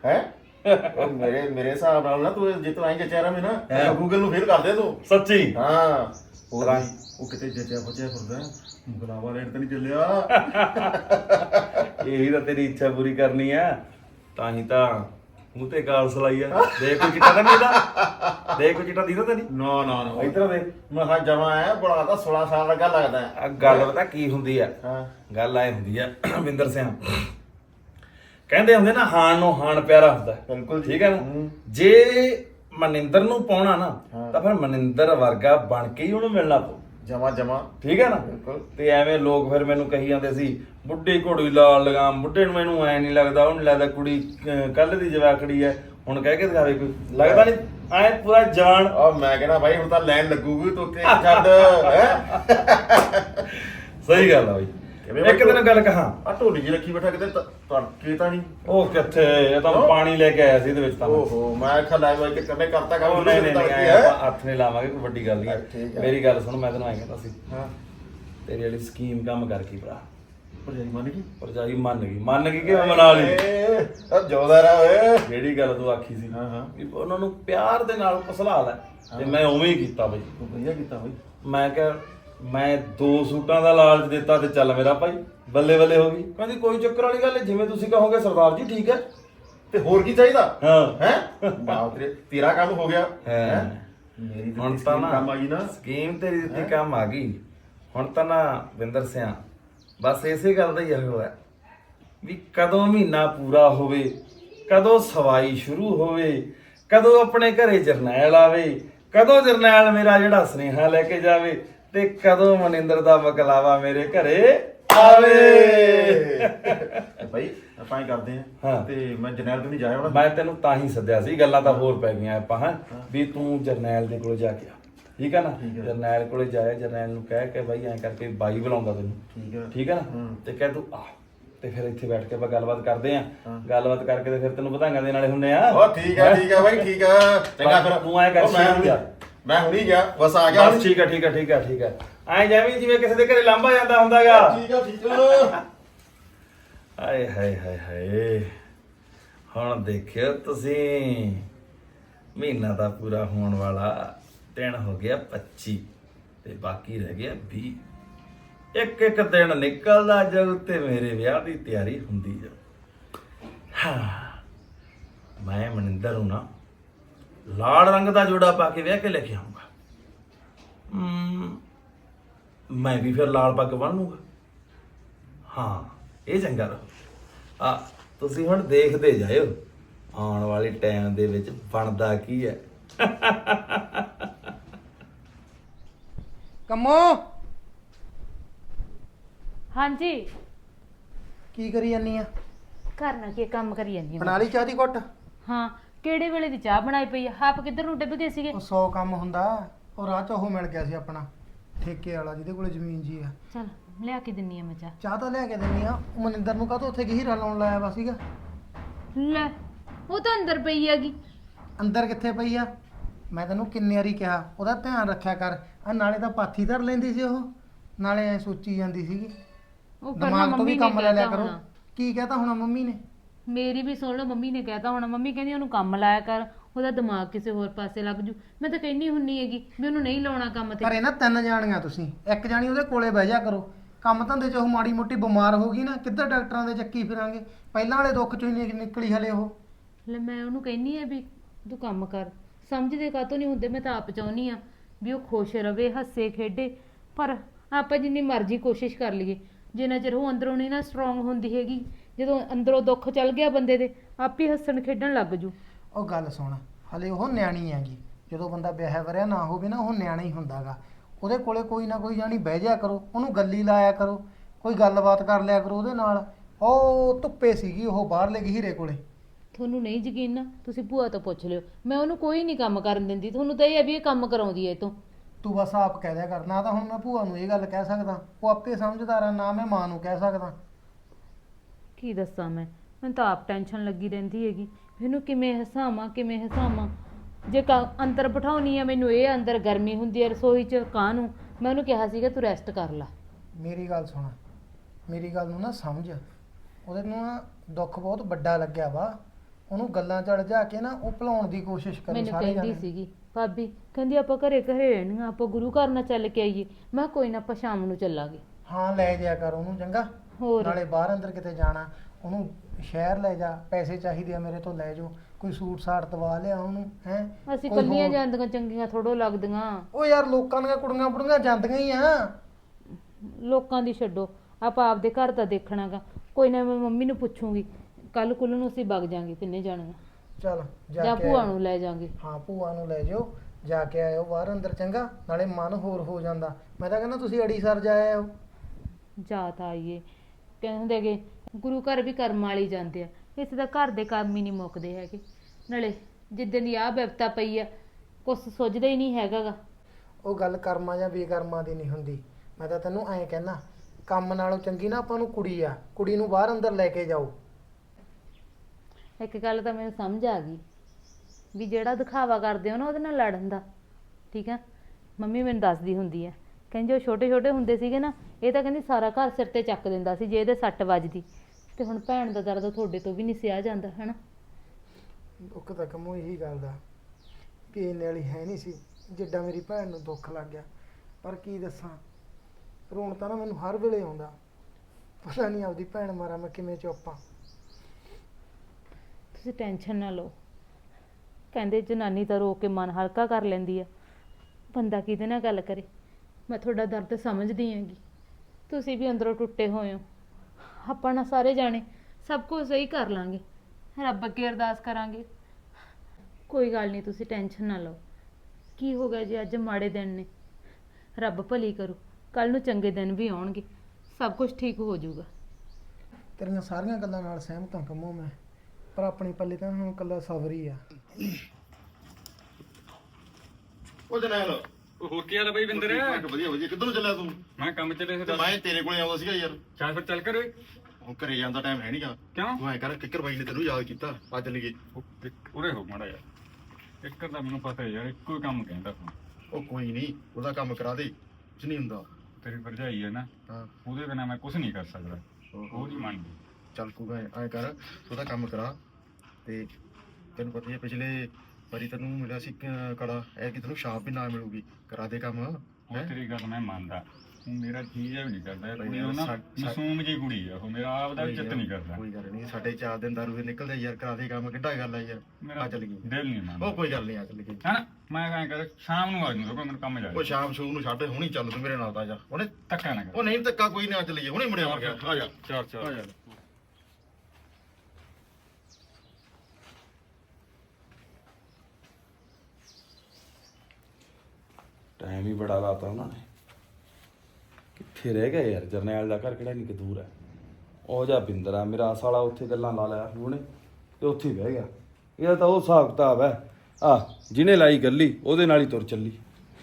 S4: ਹੈ ਉਹ ਮੇਰੇ ਮੇਰੇ ਹਿਸਾਬ ਨਾਲ ਨਾ ਤੂੰ ਜਿੱਤ ਆਏਂਗੇ ਚਿਹਰਾ ਮੇ ਨਾ
S5: ਹੈਂ?
S4: ਗੂਗਲ ਨੂੰ ਫੇਲ ਕਰ ਦੇ ਤੂੰ
S5: ਸੱਚੀ
S4: ਹਾਂ ਉਹ
S5: ਤਰ੍ਹਾਂ-
S4: ਉਹ ਕਿਤੇ ਜੱਜਿਆ ਬਚਿਆ ਫਿਰਦਾ ਗੁਲਾਬਾ ਰੇਟ ਤੇ ਨਹੀਂ ਚੱਲਿਆ
S5: ਇਹੀ ਤਾਂ ਤੇਰੀ ਇੱਛਾ ਪੂਰੀ ਕਰਨੀ ਆ ਤਾਂ ਹੀ ਤਾਂ ਮੂੰਹ ਤੇ ਗਾਲ ਸਲਾਈ ਆ ਦੇਖ ਕੋਈ ਚਿੱਟਾ ਤਾਂ ਨਹੀਂ ਇਹਦਾ ਦੇਖ ਕੋਈ ਚਿੱਟਾ ਦੀਦਾ ਤੇਰੀ
S4: ਨਾ ਨਾ ਨਾ
S5: ਇਧਰ ਦੇਖ
S4: ਮੈਂ ਹਾਂ ਜਮਾ ਹੈ ਬੜਾ ਤਾਂ ਸੋਲਾਂ ਸਾਲ ਲੱਗਾ ਲੱਗਦਾ ਹੈ।
S5: ਆ ਗੱਲ ਪਤਾ ਕੀ ਹੁੰਦੀ ਆ
S4: ਹਾਂ
S5: ਗੱਲ ਐ ਹੁੰਦੀ ਆ ਵਿੰਦਰ ਸਿੰਘ ਕਹਿੰਦੇ ਹੁੰਦੇ ਨਾ ਹਾਣ ਨੂੰ ਹਾਣ ਪਿਆਰਾ ਹੁੰਦਾ
S4: ਬਿਲਕੁਲ ਜੀ।
S5: ਠੀਕ ਹੈ ਨਾ
S4: ਹੂੰ।
S5: ਜੇ ਮਨਿੰਦਰ ਨੂੰ ਪਾਉਣਾ ਨਾ
S4: ਹਾਂ।
S5: ਤਾਂ ਫਿਰ ਮਨਿੰਦਰ ਵਰਗਾ ਬਣ ਕੇ ਹੀ ਉਹਨੂੰ ਮਿਲਣਾ ਪਊ
S4: ਜਮਾ ਜਮਾ
S5: ਠੀਕ ਹੈ ਨਾ
S4: ਬਿਲਕੁਲ।
S5: ਤੇ ਐਵੇਂ ਲੋਕ ਫਿਰ ਮੈਨੂੰ ਕਹੀ ਜਾਂਦੇ ਸੀ ਬੁੱਢੀ ਘੋੜੀ ਲਾਲ ਲਗਾਮ ਬੁੱਢੇ ਨੂੰ ਮੈਨੂੰ ਐ ਨਹੀਂ ਲੱਗਦਾ ਉਹਨੂੰ ਲੱਗਦਾ ਕੁੜੀ ਕੱਲ ਦੀ ਜਵਾਕੜੀ ਐ ਹੁਣ ਕਹਿ ਕੇ ਦਿਖਾਵੇ ਕੋਈ ਲੱਗਦਾ ਨਹੀਂ ਐ ਪੂਰਾ ਜਾਨ
S4: ਆ ਮੈਂ ਕਹਿੰਦਾ ਭਾਈ ਹੁਣ ਤਾਂ ਲਾਈਨ ਲੱਗੂਗੀ ਤੂੰ ਕਿ ਛੱਡ ਹੈ
S5: ਸਹੀ ਗੱਲ ਆ ਬਈ
S4: ਕਿਵੇਂ
S5: ਇੱਕ ਦਿਨ ਗੱਲ ਕਹਾਂ
S4: ਆ ਢੋਲੀ ਜੀ ਰੱਖੀ ਬੈਠਾ ਕਿਤੇ ਤ- ਤੜਕੇ ਤਾਂ ਨਹੀਂ
S5: ਉਹ ਕਿੱਥੇ ਇਹ ਤਾਂ ਪਾਣੀ ਲੈ ਕੇ ਆਇਆ ਸੀ ਇਹਦੇ ਵਿੱਚ ਤਾਂ ਮੈਂ।
S4: ਓਹੋ ਮੈਂ ਖਾ ਲੈ ਬਾਈ ਕਿ ਕਰਨੇ ਕਰਤਾ ਕੰਮ
S5: ਉਹ ਨਹੀਂ ਨਹੀਂ
S4: ਤੜਕੇ
S5: ਨਹੀਂ
S4: ਹੈ।
S5: ਆਪਾਂ ਹੱਥ ਨਹੀਂ ਲਾਵਾਂਗੇ ਕੋਈ ਵੱਡੀ ਗੱਲ ਨਹੀਂ
S4: ਠੀਕ
S5: ਹੈ
S4: ਹੈ।
S5: ਮੇਰੀ ਗੱਲ ਸੁਣ ਮੈਂ ਤੈਨੂੰ ਐਂ ਕਹਿੰਦਾ ਸੀ
S4: ਹਾਂ
S5: ਤੇਰੀ ਵਾਲੀ ਸਕੀਮ ਕੰਮ ਕਰ ਗਈ ਭਰਾ
S4: ਭਰਜਾਈ ਮੰਨ ਗਈ
S5: ਭਰਜਾਈ ਮੰਨ ਗਈ ਮੰਨ ਗਈ ਕਿ ਮੈਂ ਮਨਾ ਲਈ
S4: ਏ ਆ ਜੋਦਾ ਰਾ ਓਏ
S5: ਜਿਹੜੀ ਗੱਲ ਤੂੰ ਆਖੀ ਸੀ
S4: ਹਾਂ ਹਾਂ
S5: ਵੀ ਉਹਨਾਂ ਨੂੰ ਪਿਆਰ ਦੇ ਨਾਲ ਫਸਲਾ ਲੈ ਤੇ ਮੈਂ ਉਵੇਂ ਹੀ ਕੀਤਾ ਬਈ
S4: ਤੂੰ ਵਧੀਆ ਕੀਤਾ ਬਾਈ
S5: ਮੈਂ ਕਿਹਾ ਮੈਂ ਦੋ ਸੂਟਾਂ ਦਾ ਲਾਲਚ ਦਿੱਤਾ ਤੇ ਚੱਲ ਮੇਰਾ ਭਾਈ ਬੱਲੇ ਬੱਲੇ ਹੋ ਗਈ ਕਹਿੰਦੀ ਕੋਈ ਚੱਕਰ ਵਾਲੀ ਗੱਲ ਨਹੀਂ ਜਿਵੇਂ ਤੁਸੀਂ ਕਹੋਗੇ ਸਰਦਾਰ ਜੀ ਠੀਕ ਹੈ
S4: ਤੇ ਹੋਰ ਕੀ ਚਾਹੀਦਾ
S5: ਹਾਂ
S4: ਹੈ ਬਾਪ ਤੇਰੇ ਤੇਰਾ ਕੰਮ ਹੋ ਗਿਆ
S5: ਹੈਂ।
S4: ਹੈਂ? ਮੇਰੀ
S5: ਹੁਣ
S4: ਦਿੱਤੀ
S5: ਤਾਂ
S4: ਸਕੀਮ
S5: ਨਾ
S4: ਕੰਮ ਆਈ ਨਾ
S5: ਸਕੀਮ ਤੇਰੀ ਦਿੱਤੀ ਕੰਮ ਆ ਗਈ ਹੁਣ ਤਾਂ ਨਾ ਵਿੰਦਰ ਸਿਆ ਬਸ ਇਸੇ ਗੱਲ ਦਾ ਹੀ ਇਹੋ ਹੈ ਵੀ ਕਦੋਂ ਮਹੀਨਾ ਪੂਰਾ ਹੋਵੇ ਕਦੋਂ ਸਵਾਈ ਸ਼ੁਰੂ ਹੋਵੇ ਕਦੋਂ ਆਪਣੇ ਘਰੇ ਜਰਨੈਲ ਆਵੇ ਕਦੋਂ ਜਰਨੈਲ ਮੇਰਾ ਜਿਹੜਾ ਸੁਨੇਹਾ ਲੈ ਕੇ ਜਾਵੇ ਤੇ ਕਦੋਂ ਮਨਿੰਦਰ ਦਾ ਬਕਲਾਵਾ ਮੇਰੇ ਘਰੇ ਆਵੇ
S4: ਭਾਈ ਆਪਾਂ ਹੀ ਕਰਦੇ ਆ
S5: ਹਾਂ।
S4: ਤੇ ਮੈਂ ਜਨਰਲ ਤੋਂ ਨਹੀਂ ਜਾਇਆ ਹੋਣਾ
S5: ਮੈਂ ਤੈਨੂੰ ਤਾਂ ਹੀ ਸੱਦਿਆ ਸੀ ਗੱਲਾਂ ਤਾਂ ਹੋਰ ਪੈ ਗਈਆਂ ਆਪਾਂ ਹਾਂ ਵੀ ਤੂੰ ਜਰਨੈਲ ਦੇ ਕੋਲ ਜਾ ਕੇ ਆ ਠੀਕ ਹੈ ਨਾ
S4: ਠੀਕ ਹੈ।
S5: ਜਰਨੈਲ ਕੋਲੇ ਜਾਇਆ ਜਰਨੈਲ ਨੂੰ ਕਹਿ ਕੇ ਬਾਈ ਐਂ ਕਰਕੇ ਬਾਈ ਬੁਲਾਉਂਦਾ ਤੈਨੂੰ
S4: ਠੀਕ ਹੈ
S5: ਠੀਕ ਹੈ ਨਾ
S4: ਹੂੰ।
S5: ਤੇ ਕਹਿ ਤੂੰ ਆ ਤੇ ਫਿਰ ਇੱਥੇ ਬੈਠ ਕੇ ਆਪਾਂ ਗੱਲਬਾਤ ਕਰਦੇ ਆਂ
S4: ਹਾਂ।
S5: ਗੱਲਬਾਤ ਕਰਕੇ ਤੇ ਫਿਰ ਤੈਨੂੰ ਵਧਾਈਆਂ ਦੇਣ ਵਾਲੇ ਹੁੰਨੇ ਆ
S4: ਉਹ ਠੀਕ ਹੈ ਠੀਕ ਹੈ ਭਾਈ ਠੀਕ ਹੈ ਚੰਗਾ ਫਿਰ
S5: ਤੂੰ ਐਂ ਕਰ,
S4: ਉਹ ਮੈਂ
S5: ਛੇਤੀ ਜਾ।
S4: ਮੈਂ ਹੁਣੀ ਗਿਆ ਬਸ ਆ ਗਿਆ
S5: ਬਸ ਠੀਕ ਹੈ ਠੀਕ ਹੈ ਠੀਕ ਹੈ ਠੀਕ ਹੈ ਐਂ ਜਿਵੇਂ ਜਿਵੇਂ ਕਿਸੇ ਦੇ ਘਰੇ ਲਾਂਭਾ ਜਾਂਦਾ ਹੁੰਦਾਗਾ
S4: ਠੀਕ ਹੈ ਠੀਕ ਹੈ
S5: ਹਾਏ ਹਾਏ ਹਾਏ ਹਾਏ ਹੁਣ ਦੇਖਿਓ ਤੁਸੀਂ ਮਹੀਨਾ ਦਾ ਪੂਰਾ ਹੋਣ ਵਾਲਾ ਦਿਨ ਹੋ ਗਿਆ ਪੱਚੀ ਤੇ ਬਾਕੀ ਰਹਿ ਗਿਆ ਵੀਹ ਇੱਕ ਇੱਕ ਦਿਨ ਨਿਕਲਦਾ ਜਾਊ ਤੇ ਮੇਰੇ ਵਿਆਹ ਦੀ ਤਿਆਰੀ ਹੁੰਦੀ ਜਾਊ ਹਾਂ ਮੈਂ ਮਨਿੰਦਰ ਨੂੰ ਨਾ ਲਾਲ ਰੰਗ ਦਾ ਜੋੜਾ ਪਾ ਕੇ ਵਿਆਹ ਕੇ ਲੈ ਕੇ ਆਉਂਗਾ ਹਮ, ਮੈਂ ਵੀ ਫਿਰ ਲਾਲ ਪੱਗ ਬੰਨ ਲੂੰਗਾ ਹਾਂ ਇਹ ਚੰਗਾ ਰਹੂ ਆ ਤੁਸੀਂ ਹੁਣ ਦੇਖਦੇ ਜਾਇਓ ਆਉਣ ਵਾਲੇ ਟਾਈਮ ਦੇ ਵਿੱਚ ਬਣਦਾ ਕੀ ਹੈ
S1: ਕੰਮੋ
S6: ਹਾਂਜੀ
S1: ਕੀ ਕਰੀ ਜਾਨੀ ਆ
S6: ਕਰਨਾ ਕੀ ਕੰਮ ਕਰੀ ਜਾਂਦੀ
S1: ਬਣਾ
S6: ਹਾਂ
S1: ਲਈ ਚਾਹ ਦੀ ਘੁੱਟ
S6: ਹਾਂ ਕਿਹੜੇ ਵੇਲੇ ਦੀ ਚਾਹ ਬਣਾਈ ਪਈ ਆ ਆਪ ਕਿੱਧਰ ਨੂੰ ਡਿੱਬ ਗਏ ਸੀਗੇ
S1: ਉਹ ਸੌ ਕੰਮ ਹੁੰਦਾ ਉਹ ਰਾਹ ਚ ਉਹ ਮਿਲ ਗਿਆ ਸੀ ਆਪਣਾ ਠੇਕੇ ਵਾਲਾ ਜਿਹਦੇ ਕੋਲੇ ਜ਼ਮੀਨ ਜੀ ਆ
S6: ਚਲ ਲਿਆ ਕੇ ਦਿੰਨੀ ਆ ਮੈਂ ਚਾਹ
S1: ਚਾਹ ਤਾਂ ਲਿਆ ਕੇ ਦਿੰਨੀ ਆ ਉਹ ਮਨਿੰਦਰ ਨੂੰ ਕਾਹਤੋਂ ਉੱਥੇ ਹੀਰਾ ਲਾਉਣ ਲਾਇਆ ਵਾ ਸੀਗਾ
S6: ਲੈ ਉਹ ਤਾਂ ਅੰਦਰ ਪਈ ਹੈਗੀ
S1: ਅੰਦਰ ਕਿੱਥੇ ਪਈ ਆ ਮੈਂ ਤੈਨੂੰ ਕਿੰਨੇ ਵਾਰੀ ਕਿਹਾ ਉਹਦਾ ਧਿਆਨ ਰੱਖਿਆ ਕਰ ਆ ਨਾਲੇ ਤਾਂ ਪਾਥੀ ਧਰ ਲੈਂਦੀ ਸੀ ਉਹ ਨਾਲੇ ਐ ਸੋਚੀ ਜਾਂਦੀ ਸੀਗੀ
S6: ਉਹ ਪਹਿਲਾਂ
S1: ਦਿਮਾਗ ਤੋਂ
S6: ਮੰਮੀ
S1: ਵੀ
S6: ਨੇ
S1: ਕੰਮ ਲੈ ਲਿਆ
S6: ਕਹਿਤਾ
S1: ਕਰੋ
S6: ਹੋਣਾ
S1: ਕੀ ਕਹਤਾ ਹੋਣਾ ਮੰਮੀ ਨੇ
S6: ਮੇਰੀ ਵੀ ਸੁਣ ਲਓ ਮੰਮੀ ਨੇ ਕਹਿਤਾ ਹੋਣਾ ਮੰਮੀ ਕਹਿੰਦੀ ਉਹਨੂੰ ਕੰਮ ਲਾਇਆ ਕਰ ਉਹਦਾ ਦਿਮਾਗ ਕਿਸੇ ਹੋਰ ਪਾਸੇ ਲੱਗ ਜੂ ਮੈਂ ਤਾਂ ਕਹਿੰਦੀ ਹੁੰਨੀ ਹੈਗੀ ਵੀ ਉਹਨੂੰ ਨਹੀਂ ਲਾਉਣਾ ਕੰਮ ਤੇ
S1: ਪਰ ਇਹ ਨਾ ਤਿੰਨ ਜਾਣੀਆਂ ਤੁਸੀਂ ਇੱਕ ਜਾਣੀ ਉਹਦੇ ਕੋਲੇ ਬਹਿ ਜਾ ਕਰੋ ਕੰਮ ਧੰਦੇ 'ਚ ਉਹ ਮਾੜੀ ਮੋਟੀ ਬਿਮਾਰ ਹੋ ਗਈ ਨਾ ਕਿੱਧਰ ਡਾਕਟਰਾਂ ਦੇ ਚੱਕੀ ਫਿਰਾਂਗੇ ਪਹਿਲਾਂ ਵਾਲੇ ਦੁੱਖ 'ਚੋਂ ਹੀ ਨਿਕ- ਨਿਕਲੀ ਹਲੇ ਉਹ
S6: ਲੈ ਮੈਂ ਉਹਨੂੰ ਕਹਿੰਨੀ ਆ ਵੀ ਤੂੰ ਕੰਮ ਕਰ ਸਮਝਦੇ ਕਾਤੋਂ ਨਹੀਂ ਹੁੰਦੇ ਮੈਂ ਤਾਂ ਆਪ ਚਾਹੁੰਨੀ ਆ ਵੀ ਉਹ ਖੁਸ਼ ਰਵੇ ਹੱਸੇ ਖੇਡੇ ਪਰ ਆਪਾਂ ਜਿੰਨੀ ਮਰਜ਼ੀ ਕੋਸ਼ਿਸ਼ ਕਰ ਲਈਏ ਜਿੰਨਾ ਚਿਰ ਉਹ ਅੰਦਰੋਂ ਨਹੀਂ ਨਾ ਸਟਰੋਂਗ ਹੁੰਦੀ ਹੈਗੀ ਜਦੋਂ ਅੰਦਰੋਂ ਦੁੱਖ ਚੱਲ ਗਿਆ ਬੰਦੇ ਦੇ ਆਪੇ ਹੱਸਣ ਖੇਡਣ ਲੱਗ ਜੂ
S1: ਉਹ ਗੱਲ ਸੁਣ ਹਲੇ ਉਹ ਨਿਆਣੀ ਹੈਗੀ ਜਦੋਂ ਬੰਦਾ ਵਿਆਹਿਆ ਵਰਿਆ ਨਾ ਹੋਵੇ ਨਾ ਉਹ ਨਿਆਣਾ ਹੀ ਹੁੰਦਾਗਾ ਉਹਦੇ ਕੋਲੇ ਕੋਈ ਨਾ ਕੋਈ ਜਾਣੀ ਬਹਿ ਜਾ ਕਰੋ ਉਹਨੂੰ ਗੱਲੀ ਲਾਇਆ ਕਰੋ ਕੋਈ ਗੱਲਬਾਤ ਕਰ ਲਿਆ ਕਰੋ ਉਹਦੇ ਨਾਲ ਉਹ ਧੁੱਪੇ ਸੀਗੀ ਉਹ ਬਾਹਰਲੇ ਹੀਰੇ ਕੋਲੇ
S6: ਤੁਹਾਨੂੰ ਨਹੀਂ ਯਕੀਨ ਨਾ ਤੁਸੀਂ ਭੂਆ ਤੋਂ ਪੁੱਛ ਲਿਓ ਮੈਂ ਉਹਨੂੰ ਕੋਈ ਨਹੀਂ ਕੰਮ ਕਰਨ ਦਿੰਦੀ ਤੁਹਾਨੂੰ ਤਾਂ ਇਹ ਹੈ ਵੀ ਇਹ ਕੰਮ ਕਰਾਉਂਦੀ ਹੈ ਇਹ ਤੋਂ
S1: ਤੂੰ ਬਸ ਆਪ ਕਹਿ ਦਿਆ ਕਰ ਨਾ ਤਾਂ ਹੁਣ ਮੈਂ ਭੂਆ ਨੂੰ ਇਹ ਗੱਲ ਕਹਿ ਸਕਦਾ ਉਹ ਆਪੇ ਸਮਝਦਾਰ ਆ ਨਾ ਮੈਂ ਮਾਂ ਨੂੰ ਕਹਿ ਸਕਦਾ
S6: ਕੀ ਦੱਸਾਂ ਮੈਂ ਮੈਨੂੰ ਤਾਂ ਆਪ ਟੈਨਸ਼ਨ ਲੱਗੀ ਰਹਿੰਦੀ ਹੈਗੀ ਮੈਨੂੰ ਕਿਵੇਂ ਹਸਾਵਾਂ ਕਿਵੇਂ ਹਸਾਵਾਂ ਜੇ ਕ ਅੰਦਰ ਬਿਠਾਉਣੀ ਆ ਮੈਨੂੰ ਇਹ ਅੰਦਰ ਗਰਮੀ ਹੁੰਦੀ ਹੈ ਰਸੋਈ 'ਚ ਕਾਂ ਨੂੰ ਮੈਂ ਉਹਨੂੰ ਕਿਹਾ ਸੀਗਾ ਤੂੰ ਰੈਸਟ ਕਰ ਲੈ
S1: ਮੇਰੀ ਗੱਲ ਸੁਣ ਮੇਰੀ ਗੱਲ ਨੂੰ ਨਾ ਸਮਝ ਉਹਦੇ ਨੂੰ ਨਾ ਦੁੱਖ ਬਹੁਤ ਵੱਡਾ ਲੱਗਿਆ ਵਾ ਉਹਨੂੰ ਗੱਲਾਂ ਚੜ ਜਾ ਕੇ ਨਾ ਉਹ ਭੁਲਾਉਣ ਦੀ ਕੋਸ਼ਿਸ਼ ਕਰੋ
S6: ਮੈਨੂੰ
S1: ਸਾਰੇ
S6: ਕਹਿੰਦੀ
S1: ਜਾਣੇ।
S6: ਸੀਗੀ ਭਾਬੀ, ਕਹਿੰਦੀ ਆਪਾਂ ਘਰੇ ਘਰੇ ਰਹਿਣੀਆਂ, ਆਪਾਂ ਗੁਰੂ ਘਰ ਨਾਲ ਚੱਲ ਕੇ ਆਈਏ। ਮੈਂ ਕਿਹਾ ਕੋਈ ਨਾ, ਆਪਾਂ ਸ਼ਾਮ ਨੂੰ ਚੱਲਾਂਗੇ।
S1: ਹਾਂ ਲੈ ਜਾਇਆ ਕਰ ਉਹਨੂੰ ਚੰਗਾ।
S6: ਹੋਰ
S1: ਨਾਲੇ ਬਾਹਰ ਅੰਦਰ ਕਿਤੇ ਜਾਣਾ, ਉਹਨੂੰ ਸ਼ਹਿਰ ਲੈ ਜਾ, ਪੈਸੇ ਚਾਹੀਦੇ ਆ ਮੇਰੇ ਤੋਂ ਲੈ ਜਾਓ, ਕੋਈ ਸੂਟ ਸਾਟ ਦਵਾ ਲਿਆ ਉਹਨੂੰ ਹੈ।
S6: ਅਸੀਂ ਕੱਲੀਆਂ ਜਾਂਦੀਆਂ ਚੰਗੀਆਂ ਥੋੜੋ ਲੱਗਦੀਆਂ।
S1: ਉਹ ਯਾਰ ਲੋਕਾਂ ਦੀਆਂ ਕੁੜੀਆਂ ਬੁੜੀਆਂ ਜਾਂਦੀਆਂ ਹੀ ਆ।
S6: ਲੋਕਾਂ ਦੀ ਛੱਡੋ, ਆਪਾਂ ਆਪਦੇ ਘਰ ਦਾ ਦੇਖਣਾਗਾ। ਕੋਈ ਨਾ, ਮੈਂ ਮੰਮੀ ਨੂੰ ਪੁੱਛੂੰਗੀ, ਕੱਲ ਕੁੱਲ ਨੂੰ ਅਸੀਂ ਵਗ ਜਾਾਂਗੇ ਤਿੰਨੇ ਜਾਣੀਆਂ,
S1: ਚੱਲ ਜਾ
S6: ਜਾਂ
S1: ਕੇ
S6: ਭੂਆ
S1: ਆਇਓ।
S6: ਨੂੰ ਲੈ ਜਾਾਂਗੇ।
S1: ਹਾਂ ਭੂਆ ਨੂੰ ਲੈ ਜਾਓ, ਜਾ ਕੇ ਆਇਓ ਬਾਹਰ ਅੰਦਰ ਚੰਗਾ, ਨਾਲੇ ਮਨ ਹੋਰ ਹੋ ਜਾਂਦਾ। ਮੈਂ ਤਾਂ ਕਹਿੰਦਾ ਤੁਸੀਂ ਅੜੀਸਰ ਜਾ ਆਇਓ।
S6: ਜਾ ਤਾਂ ਆਈਏ, ਕਹਿੰਦੇ ਕਿ ਗੁਰੂ ਘਰ ਵੀ ਕਰਮ ਵਾਲੀ ਜਾਂਦੇ ਆ, ਇਸ ਦਾ ਘਰ ਦੇ ਕੰਮ ਹੀ ਨਹੀਂ ਮੁੱਕਦੇ ਹੈਗੇ। ਨਾਲੇ ਜਿੱਦਣ ਦੀ ਆਹ ਬਿਪਤਾ ਪਈ ਆ, ਕੁਛ ਸੁੱਝਦਾ ਹੀ ਨਹੀਂ ਹੈਗਾ ਗਾ।
S1: ਉਹ ਗੱਲ ਕਰਮਾਂ ਜਾਂ ਬੇਕਰਮਾਂ ਦੀ ਨਹੀਂ ਹੁੰਦੀ। ਮੈਂ ਤਾਂ ਤੈਨੂੰ ਐਂ ਕਹਿਣਾ, ਕੰਮ ਨਾਲੋਂ ਚੰਗੀ ਨਾ ਆਪਾਂ ਨੂੰ ਕੁੜੀ ਆ, ਕੁੜੀ ਨੂੰ ਬਾਹਰ ਅੰਦਰ ਲੈ ਕੇ ਜਾਓ।
S6: ਇੱਕ ਗੱਲ ਤਾਂ ਮੈਨੂੰ ਸਮਝ ਆ ਗਈ ਵੀ ਜਿਹੜਾ ਦਿਖਾਵਾ ਕਰਦੇ ਹੋ ਨਾ ਉਹਦੇ ਨਾਲ ਲੜਨ ਦਾ, ਠੀਕ ਆ। ਮੰਮੀ ਮੈਨੂੰ ਦੱਸਦੀ ਹੁੰਦੀ ਆ, ਕਹਿੰਦੀ ਉਹ ਛੋਟੇ ਛੋਟੇ ਹੁੰਦੇ ਸੀਗੇ ਨਾ, ਇਹ ਤਾਂ ਕਹਿੰਦੀ ਸਾਰਾ ਘਰ ਸਿਰ ਤੇ ਚੱਕ ਦਿੰਦਾ ਸੀ ਜੇ ਇਹਦੇ ਸੱਟ ਵੱਜਦੀ। ਤੇ ਹੁਣ ਭੈਣ ਦਾ ਦਰਦ ਤੁਹਾਡੇ ਤੋਂ ਵੀ ਨਹੀਂ ਸਿਆ ਜਾਂਦਾ ਹਨਾ।
S1: ਦੁੱਖ ਤਾਂ ਕਮੋ ਇਹੀ ਗੱਲ ਦਾ ਵੀ ਇੰਨੇ ਵਾਲੀ ਹੈ ਨਹੀਂ ਸੀ ਜਿੱਡਾ ਮੇਰੀ ਭੈਣ ਨੂੰ ਦੁੱਖ ਲੱਗ ਗਿਆ। ਪਰ ਕੀ ਦੱਸਾਂ, ਰੋਣ ਤਾਂ ਨਾ ਮੈਨੂੰ ਹਰ ਵੇਲੇ ਆਉਂਦਾ। ਪਤਾ ਨਹੀਂ ਆਪਦੀ ਭੈਣ ਮਾਰਾ ਮੈਂ ਕਿਵੇਂ ਚੁੱਪਾਂ।
S6: ਤੁਸੀਂ ਟੈਨਸ਼ਨ ਨਾ ਲਓ, ਕਹਿੰਦੇ ਜਨਾਨੀ ਤਾਂ ਰੋ ਕੇ ਮਨ ਹਲਕਾ ਕਰ ਲੈਂਦੀ ਆ, ਬੰਦਾ ਕਿਹਦੇ ਨਾਲ ਗੱਲ ਕਰੇ। ਮੈਂ ਤੁਹਾਡਾ ਦਰਦ ਸਮਝਦੀ ਹੈਗੀ, ਤੁਸੀਂ ਵੀ ਅੰਦਰੋਂ ਟੁੱਟੇ ਹੋਏ ਹੋ। ਆਪਾਂ ਨਾ ਸਾਰੇ ਜਾਣੇ ਸਭ ਕੁਝ ਸਹੀ ਕਰ ਲਾਂਗੇ, ਰੱਬ ਅੱਗੇ ਅਰਦਾਸ ਕਰਾਂਗੇ। ਕੋਈ ਗੱਲ ਨਹੀਂ, ਤੁਸੀਂ ਟੈਨਸ਼ਨ ਨਾ ਲਓ। ਕੀ ਹੋ ਗਿਆ ਜੀ, ਅੱਜ ਮਾੜੇ ਦਿਨ ਨੇ, ਰੱਬ ਭਲੀ ਕਰੂ, ਕੱਲ ਨੂੰ ਚੰਗੇ ਦਿਨ ਵੀ ਆਉਣਗੇ, ਸਭ ਕੁਝ ਠੀਕ ਹੋ ਜਾਊਗਾ।
S1: ਤੇਰੀਆਂ ਸਾਰੀਆਂ ਗੱਲਾਂ ਨਾਲ ਸਹਿਮਤ ਹਾਂ ਕੰਮੋਂ ਮੈਂ, ਪਰ ਆਪਣੀ ਪੱਲੇ ਤਾਂ ਹੁਣ ਇਕੱਲਾ ਸਬਰ ਹੀ ਆ।
S4: ਉਹ ਜਨੈਲ
S7: ਹੋਰ ਕੀ ਹਾਲ ਹੈ ਬਈ ਬਿੰਦਰ?
S4: ਵਧੀਆ ਵਧੀਆ। ਕਿੱਧਰੋਂ ਚੱਲਿਆ ਤੂੰ?
S7: ਮੈਂ ਕੰਮ ਚੱਲੇ ਸੀ।
S4: ਤੇ ਮੈਂ ਤੇਰੇ ਕੋਲੇ ਆਉਂਦਾ ਸੀਗਾ ਯਾਰ।
S7: ਚੱਲ ਫਿਰ ਚੱਲ ਕਰ ਓਏ।
S4: ਹੁਣ ਘਰੇ ਜਾਣ ਦਾ ਟਾਈਮ ਹੈ ਨਹੀਂਗਾ।
S7: ਕਿਉਂ?
S4: ਤੂੰ ਐ ਕਰ, ਕਿੱਕਰ ਬਾਈ ਨੇ ਤੈਨੂੰ ਯਾਦ ਕੀਤਾ, ਆ ਚੱਲੀਏ।
S7: ਉਹ ਇੱਕ ਉਰੇ ਹੋ ਮਾੜਾ ਯਾਰ, ਇੱਕ ਦਾ ਮੈਨੂੰ ਪਤਾ ਹੈ ਯਾਰ, ਇੱਕੋ ਹੀ ਕੰਮ ਕਹਿੰਦਾ ਤੂੰ।
S4: ਉਹ ਕੋਈ ਨਹੀਂ, ਉਹਦਾ ਕੰਮ ਕਰਾ ਦੇ, ਕੁਝ ਨਹੀਂ ਹੁੰਦਾ।
S7: ਤੇਰੀ ਭਰਜਾਈ ਹੈ ਨਾ,
S4: ਹਾਂ
S7: ਉਹਦੇ ਬਿਨਾਂ ਮੈਂ ਕੁਝ ਨਹੀਂ ਕਰ ਸਕਦਾ। ਉਹ ਨਹੀਂ ਮੰਨਦੀ।
S4: ਚੱਲ ਤੂੰ ਐ ਕਰ, ਉਹਦਾ ਕੰਮ ਕਰਾ। ਤੇ ਤੈਨੂੰ ਪਤਾ ਹੀ ਹੈ ਪਿਛਲੇ ਵਾਰੀ ਤੈਨੂੰ ਮਿਲਿਆ ਸੀ ਕ- ਕੜਾ, ਐ ਕਿ ਤੈਨੂੰ ਸ਼ਾਪ ਵੀ ਨਾ ਮਿਲੂਗੀ। ਕਰਾ ਦੇ ਕੰਮ।
S7: ਉਹ ਤੇਰੀ ਗੱਲ ਮੈਂ ਮੰਨਦਾ, ਉਹ ਮੇਰਾ ਜੀਅ ਵੀ ਨਹੀਂ ਕਰਦਾ।
S4: ਬਈ
S7: ਕੁੜੀ
S4: ਯਾਰ
S7: ਉਹ ਨਾ
S4: ਸਾ- ਸਾ-
S7: ਮਾਸੂਮ ਜੀ ਕੁੜੀ ਆ, ਉਹ ਮੇਰਾ ਆਪ ਦਾ ਵੀ ਚਿੱਤ ਨਹੀਂ ਕਰਦਾ।
S4: ਕੋਈ ਗੱਲ ਨਹੀਂ, ਸਾਡੇ ਚਾਰ ਦਿਨ ਦਾਰੂ ਦੇ ਨਿਕਲਦੇ ਯਾਰ, ਕਰਾ ਦੇ ਕੰਮ, ਕਿੱਡਾ ਗੱਲ ਆ ਯਾਰ।
S7: ਮੇਰਾ
S4: ਆ ਚੱਲ ਗਈ।
S7: ਦਿਲ ਨਹੀਂ ਮੰਨਦਾ।
S4: ਉਹ ਕੋਈ ਗੱਲ ਨਹੀਂ, ਆ ਚੱਲ ਗਈ।
S7: ਹੈਨਾ, ਮੈਂ ਕਹਿੰਦਾ ਕਰ ਸ਼ਾਮ ਨੂੰ ਆ ਜਾਊਂਗਾ, ਕੋਈ ਮੈਨੂੰ ਕੰਮ ਜਾ
S4: ਉਹ ਸ਼ਾਮ ਸ਼ੂਮ ਨੂੰ ਛੱਡ, ਹੁਣੀ ਚੱਲ ਤੂੰ ਮੇਰੇ ਨਾਲ ਤਾਂ ਜਾ ਹੁਣੇ।
S7: ਧੱਕਾ ਨਾ ਕਰ।
S4: ਉਹ ਨਹੀਂ ਧੱਕਾ ਕੋਈ ਨਹੀਂ, ਆ ਚੱਲੀਏ ਹੁਣੇ ਮੁੜਿਆ ਆ ਗਿਆ। ਆ ਜਾ
S7: ਚਾਰ ਚਾਰ
S4: ਆ ਜਾ।
S5: ਟਾਈਮ ਹੀ ਬੜਾ ਲਾਤਾ ਉਹਨਾਂ ਨੇ। ਕਿੱਥੇ ਰਹਿ ਗਏ ਯਾਰ, ਜਰਨੈਲ ਦਾ ਘਰ ਕਿਹੜਾ ਨਹੀਂ ਕਿ ਦੂਰ ਹੈ। ਉਹ ਜਾ ਬਿੰਦਰ ਆ ਮੇਰਾ ਸਾਲਾ, ਉੱਥੇ ਗੱਲਾਂ ਲਾ ਲਿਆ ਉਹਨੇ ਤੇ ਉੱਥੇ ਹੀ ਬਹਿ ਗਿਆ। ਇਹਦਾ ਤਾਂ ਉਹ ਹਿਸਾਬ ਕਿਤਾਬ ਹੈ, ਆ ਜਿਹਨੇ ਲਾਈ ਗੱਲੀ ਉਹਦੇ ਨਾਲ ਹੀ ਤੁਰ ਚੱਲੀ।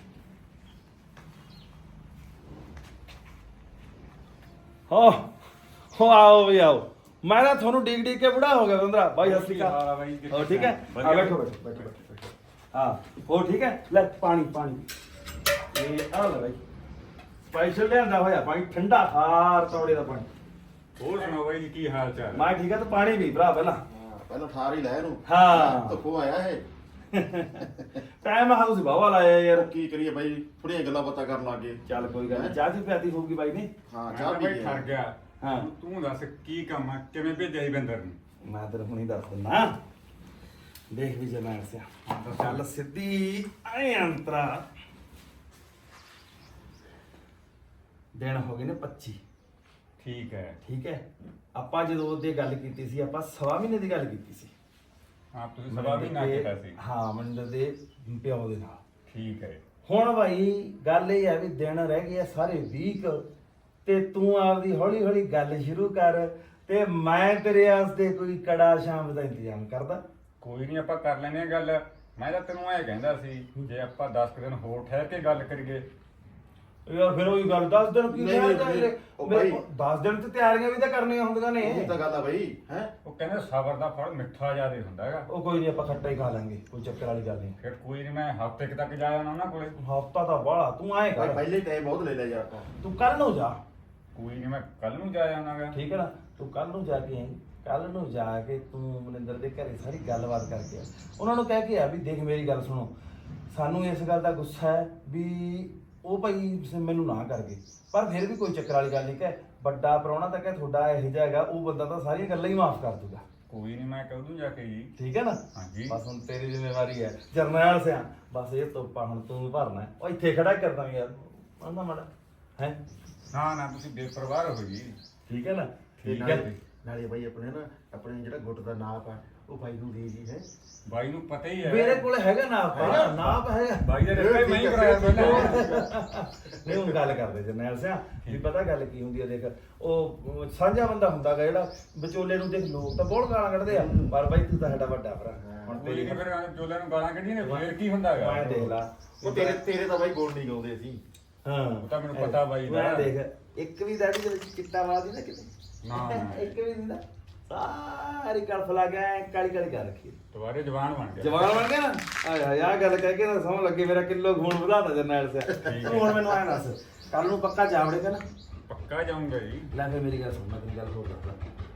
S5: ਹਾਂ ਹੋ ਆਓ ਵੀ ਆਓ, ਮੈਂ ਨਾ ਤੁਹਾਨੂੰ ਡੀਕ ਡੀਕ ਕੇ ਬੁੜਾ ਹੋ ਗਿਆ ਬਿੰਦਰਾ ਬਾਈ। ਸਤਿ ਸ਼੍ਰੀ ਅਕਾਲ। ਹੋ ਠੀਕ ਹੈ? ਆ ਬੈਠੋ ਬੈਠੋ ਬੈਠੋ ਬੈਠੋ। ਹਾਂ ਹੋ ਠੀਕ ਹੈ, ਲੈ ਪਾਣੀ ਪਾਣੀ ਇਹ ਆ ਲੈ ਬਾਈ, ਸਪੈਸ਼ਲ ਲਿਆਂਦਾ ਹੋਇਆ ਪਾਣੀ, ਠੰਡਾ ਖਾਰ ਤੌੜੇ ਦਾ ਪਾਣੀ।
S7: ਹੋਰ ਸੁਣਾਓ ਬਾਈ ਜੀ, ਕੀ ਹਾਲ ਚਾਲ?
S5: ਮੈਂ ਠੀਕ ਹੈ, ਤੂੰ ਪਾਣੀ ਪੀ ਭਰਾ ਪਹਿਲਾਂ।
S4: ਹਾਂ ਪਹਿਲਾਂ ਠਾਰ ਹੀ ਲੈ ਇਹਨੂੰ।
S5: ਹਾਂ
S4: ਧੁੱਪੋਂ ਆਇਆ ਇਹ।
S5: ਟਾਈਮ ਆ ਤੁਸੀਂ ਬਾਵਾ ਲਾਇਆ ਯਾਰ।
S4: ਕੀ ਕਰੀਏ ਬਾਈ, ਥੋੜੀਆਂ ਗੱਲਾਂ ਬਾਤਾਂ ਕਰਨ ਲੱਗ ਗਏ।
S5: ਚੱਲ ਕੋਈ ਗੱਲ ਨਹੀਂ, ਚਾਹ ਦੀ ਪਿਆਤੀ ਹੋਊਗੀ ਬਾਈ ਨੇ।
S4: ਹਾਂ
S7: ਮੈਂ
S4: ਚਾਹ
S7: ਤਾਂ
S4: ਪੀ
S7: ਬਾਈ
S4: ਕੇ
S7: ਠਰ ਗਿਆ।
S5: ਹਾਂ
S7: ਤੂੰ ਦੱਸ ਕੀ ਕੰਮ ਆ, ਕਿਵੇਂ ਭੇਜਿਆ ਸੀ ਬਿੰਦਰ ਨੂੰ?
S5: ਮੈਂ ਤੈਨੂੰ ਹੁਣੀ ਦੱਸ ਦਿੰਦਾ, ਦੇਖ ਵੀ ਜਮੈਣ ਸਿਆ। ਚੱਲ ਸਿੱਧੀ ਐ ਅੰਤਰਾ। ਦਿਨ ਹੋ ਗਏ ਨੇ ਪੱਚੀ।
S7: ਠੀਕ ਹੈ।
S5: ਠੀਕ ਹੈ, ਆਪਾਂ ਜਦੋਂ ਉਹਦੇ ਗੱਲ ਕੀਤੀ ਸੀ, ਆਪਾਂ ਸਵਾ ਮਹੀਨੇ ਦੀ ਗੱਲ ਕੀਤੀ ਸੀ।
S7: ਆਪ ਤੁਸੀਂ ਸਭਾ ਵੀ ਨਾ ਕੀਤਾ ਸੀ।
S5: ਹਾਂ ਮੰਦਰ ਦੇ ਪਿਓ ਦੇ ਨਾਲ।
S7: ਠੀਕ ਹੈ।
S5: ਹੁਣ ਭਾਈ ਗੱਲ ਇਹ ਹੈ ਵੀ ਦਿਨ ਰਹਿ ਗਏ ਆ ਸਾਰੇ ਵੀਕ, ਤੇ ਤੂੰ ਆਪਦੀ ਹੌਲੀ ਹੌਲੀ ਗੱਲ ਸ਼ੁਰੂ ਕਰ, ਤੇ ਮੈਂ ਤੇਰੇ ਵਾਸਤੇ ਕੋਈ ਕੜਾ ਸ਼ਾਮ ਦਾ ਇੰਤਜ਼ਾਮ ਕਰਦਾ।
S7: ਕੋਈ ਨਹੀਂ, ਆਪਾਂ ਕਰ ਲੈਨੇ ਆ ਗੱਲ। ਮੈਂ ਤਾਂ ਤੈਨੂੰ ਐ ਕਹਿੰਦਾ ਸੀ, ਜੇ ਆਪਾਂ ਦਸ ਕੁ ਦਿਨ ਹੋਰ ਠਹਿਰ ਕੇ ਗੱਲ ਕਰੀਏ।
S5: ਯਾਰ ਫਿਰ ਉਹੀ ਗੱਲ, ਦਸ ਦਿਨ ਕੀ
S4: ਨਹੀਂ,
S5: ਕਹਿਣਾ
S4: ਨਹੀਂ,
S5: ਚਾਹੀਦੇ?
S4: ਉਹ ਭਾਈ-
S5: ਦਸ ਦਿਨ ਤੇ ਤਿਆਰੀਆਂ ਵੀ ਤਾਂ ਕਰਨੀਆਂ ਹੁੰਦੀਆਂ ਨੇ।
S4: ਇਹ ਤਾਂ ਗੱਲ ਆ ਬਾਈ ਹੈ।
S7: ਉਹ ਕਹਿੰਦੇ ਸਬਰ ਦਾ ਫਲ ਮਿੱਠਾ ਜ਼ਿਆਦਾ ਹੁੰਦਾ ਹੈਗਾ।
S5: ਉਹ ਕੋਈ ਨਹੀਂ, ਆਪਾਂ ਖੱਟਾ ਹੀ ਖਾ ਲਾਂਗੇ, ਕੋਈ ਚੱਕਰ ਵਾਲੀ ਗੱਲ ਨਹੀਂ।
S7: ਫਿਰ ਕੋਈ ਨਹੀਂ, ਮੈਂ ਹਫ਼ਤੇ ਕੁ ਤੱਕ ਜਾ ਆਉਣਾ ਉਹਨਾਂ ਕੋਲੇ।
S5: ਹਫਤਾ ਤਾਂ ਬਾਹਲਾ, ਤੂੰ ਐਂ
S4: ਭਾਈ
S5: ਕਰ,
S4: ਪਹਿਲੇ ਟਾਈਮ ਬਹੁਤ ਲੈ ਲਿਆ ਯਾਰ ਆਪਾਂ।
S5: ਤੂੰ ਕੱਲ ਨੂੰ ਜਾ।
S7: ਕੋਈ ਨਹੀਂ, ਮੈਂ ਕੱਲ ਨੂੰ ਜਾ ਆਉਣਾਗਾ।
S5: ਠੀਕ ਹੈ ਨਾ, ਤੂੰ ਕੱਲ ਨੂੰ ਜਾ ਕੇ ਆਈ, ਕੱਲ ਨੂੰ ਜਾ ਕੇ ਤੂੰ ਮਨਿੰਦਰ ਦੇ ਘਰੇ ਸਾਰੀ ਗੱਲਬਾਤ ਕਰਕੇ ਆ। ਉਹਨਾਂ ਨੂੰ ਕਹਿ ਕੇ ਆ ਵੀ ਦੇਖ ਮੇਰੀ ਗੱਲ ਸੁਣੋ, ਸਾਨੂੰ ਇਸ ਗੱਲ ਦਾ ਗੁੱਸਾ ਹੈ ਵੀ ਉਹ ਭਾਈ ਮੈਨੂੰ ਨਾ ਕਰ ਗਏ, ਪਰ ਫਿਰ ਵੀ ਕੋਈ ਚੱਕਰ ਵਾਲੀ ਗੱਲ ਨਹੀਂ ਕਿ ਵੱਡਾ ਪ੍ਰਾਹੁਣਾ ਤਾਂ ਕਿ ਤੁਹਾਡਾ ਇਹੋ ਜਿਹਾ ਹੈਗਾ, ਉਹ ਬੰਦਾ ਤਾਂ ਸਾਰੀਆਂ ਗੱਲਾਂ ਹੀ ਮਾਫ ਕਰ ਦੂਗਾ।
S7: ਕੋਈ ਨਹੀਂ, ਮੈਂ ਕਹਿ ਦੂੰ ਜਾ ਕੇ ਜੀ।
S5: ਠੀਕ ਹੈ ਨਾ?
S7: ਹਾਂਜੀ।
S5: ਬਸ ਹੁਣ ਤੇਰੀ ਜ਼ਿੰਮੇਵਾਰੀ ਹੈ ਜਰਨੈਲ ਸਿਆ, ਬਸ ਇਹ ਤੋਪਾ ਹੁਣ ਤੂੰ ਭਰਨਾ ਹੈ। ਉਹ ਇੱਥੇ ਖੜਾ ਕਰਦਾ ਯਾਰ ਆਂਦਾ ਮਾੜਾ ਹੈ।
S7: ਨਾ ਨਾ ਤੁਸੀਂ ਬੇਪਰਵਾਹ ਰਹੋ ਜੀ।
S5: ਠੀਕ ਹੈ ਨਾ?
S4: ਤੇ
S5: ਠੀਕ ਹੈ।
S4: ਨਾਲੇ ਨਾਲੇ ਬਾਈ ਆਪਣੇ ਨਾ ਆਪਣੇ ਜਿਹੜਾ ਗੁੱਟ ਦਾ ਨਾਪ ਆ ਉਹ ਬਾਈ ਨੂੰ ਦੇ ਜੀ ਹੈ।
S7: ਬਾਈ ਨੂੰ ਪਤਾ ਹੀ ਹੈ।
S5: ਮੇਰੇ ਕੋਲ ਹੈਗਾ ਨਾਪ,
S4: ਹੈਗਾ?
S5: ਨਾਪ ਹੈਗਾ।
S7: ਬਾਈ ਦਾ ਰਿਸ਼ਤਾ ਹੀ ਮੈਂ ਹੀ ਕਰਾਇਆ ਪਹਿਲਾਂ।
S5: ਨਹੀਂ ਹੁਣ ਗੱਲ ਕਰਦੇ ਜਰਨੈਲ ਸਿਆ ਵੀ ਪਤਾ ਗੱਲ ਕੀ ਹੁੰਦੀ ਹੈ, ਦੇਖ ਉਹ ਸਾਂਝਾ ਬੰਦਾ ਹੁੰਦਾ ਗਾ ਜਿਹੜਾ ਵਿਚੋਲੇ ਨੂੰ, ਦੇਖ ਲੋਕ ਤਾਂ ਬਹੁਤ ਗਾਲਾਂ ਕੱਢਦੇ ਆ, ਪਰ ਬਾਈ ਤੂੰ ਤਾਂ ਸਾਡਾ ਵੱਡਾ ਭਰਾ ਹੁਣ
S7: ਕੋਈ
S5: ਤੇਰੀ
S7: ਨਹੀਂ, ਫਿਰ ਚੋਲੇ ਨੂੰ ਗਾਲਾਂ ਕੱਢੀਆਂ ਨੇ ਫੇਰ ਕੀ ਹੁੰਦਾ ਹੈਗਾ।
S5: ਮੈਂ ਦੇਖ ਲਾ
S4: ਉਹ ਤੇਰੇ ਤੇਰੇ ਤਾਂ ਬਾਈ ਗੋਲ ਨਹੀਂ ਗਾਉਂਦੇ ਸੀ।
S5: ਹਾਂ
S7: ਉਹ ਤਾਂ ਮੈਨੂੰ ਪਤਾ ਬਾਈ ਦਾ।
S5: ਮੈਂ ਦੇਖ ਇੱਕ ਵੀ ਦਾੜੀ ਦੇ ਵਿੱਚ ਚਿੱਟਾ ਵਾਦੀ ਨਾ ਕਿਤੇ,
S7: ਨਾ ਨਾ
S5: ਇੱਕ ਵੀ ਨਹੀਂ ਨਾ, ਸਾਰੀ ਕਲਫ ਲਾ ਗਿਆ ਕਾਲੀ ਕਾਲੀ ਕਰ ਰੱਖੀ।
S7: ਦੁਬਾਰੇ ਜਵਾਨ ਬਣ ਗਿਆ।
S5: ਜਵਾਨ ਬਣ ਗਿਆ ਨਾ। ਆਏ ਹਾਏ ਆਹ ਗੱਲ ਕਹਿ ਕੇ ਨਾ ਸਮਝ ਲੱਗੇ ਮੇਰਾ ਕਿਲੋ ਖੂਨ ਵਧਾਤਾ ਜਰਨੈਲ ਸਿਆ। ਤੂੰ ਹੁਣ ਮੈਨੂੰ ਆਇਆ ਦੱਸ, ਕੱਲ ਨੂੰ ਪੱਕਾ ਜਾਵੜੇਗਾ ਨਾ?
S7: ਪੱਕਾ ਜਾਊਂਗਾ ਜੀ।
S5: ਲੈ ਫਿਰ ਮੇਰੀ ਗੱਲ ਸੁਣ, ਮੈਂ ਤੈਨੂੰ ਗੱਲ ਹੋਰ ਦੱਸਦਾ,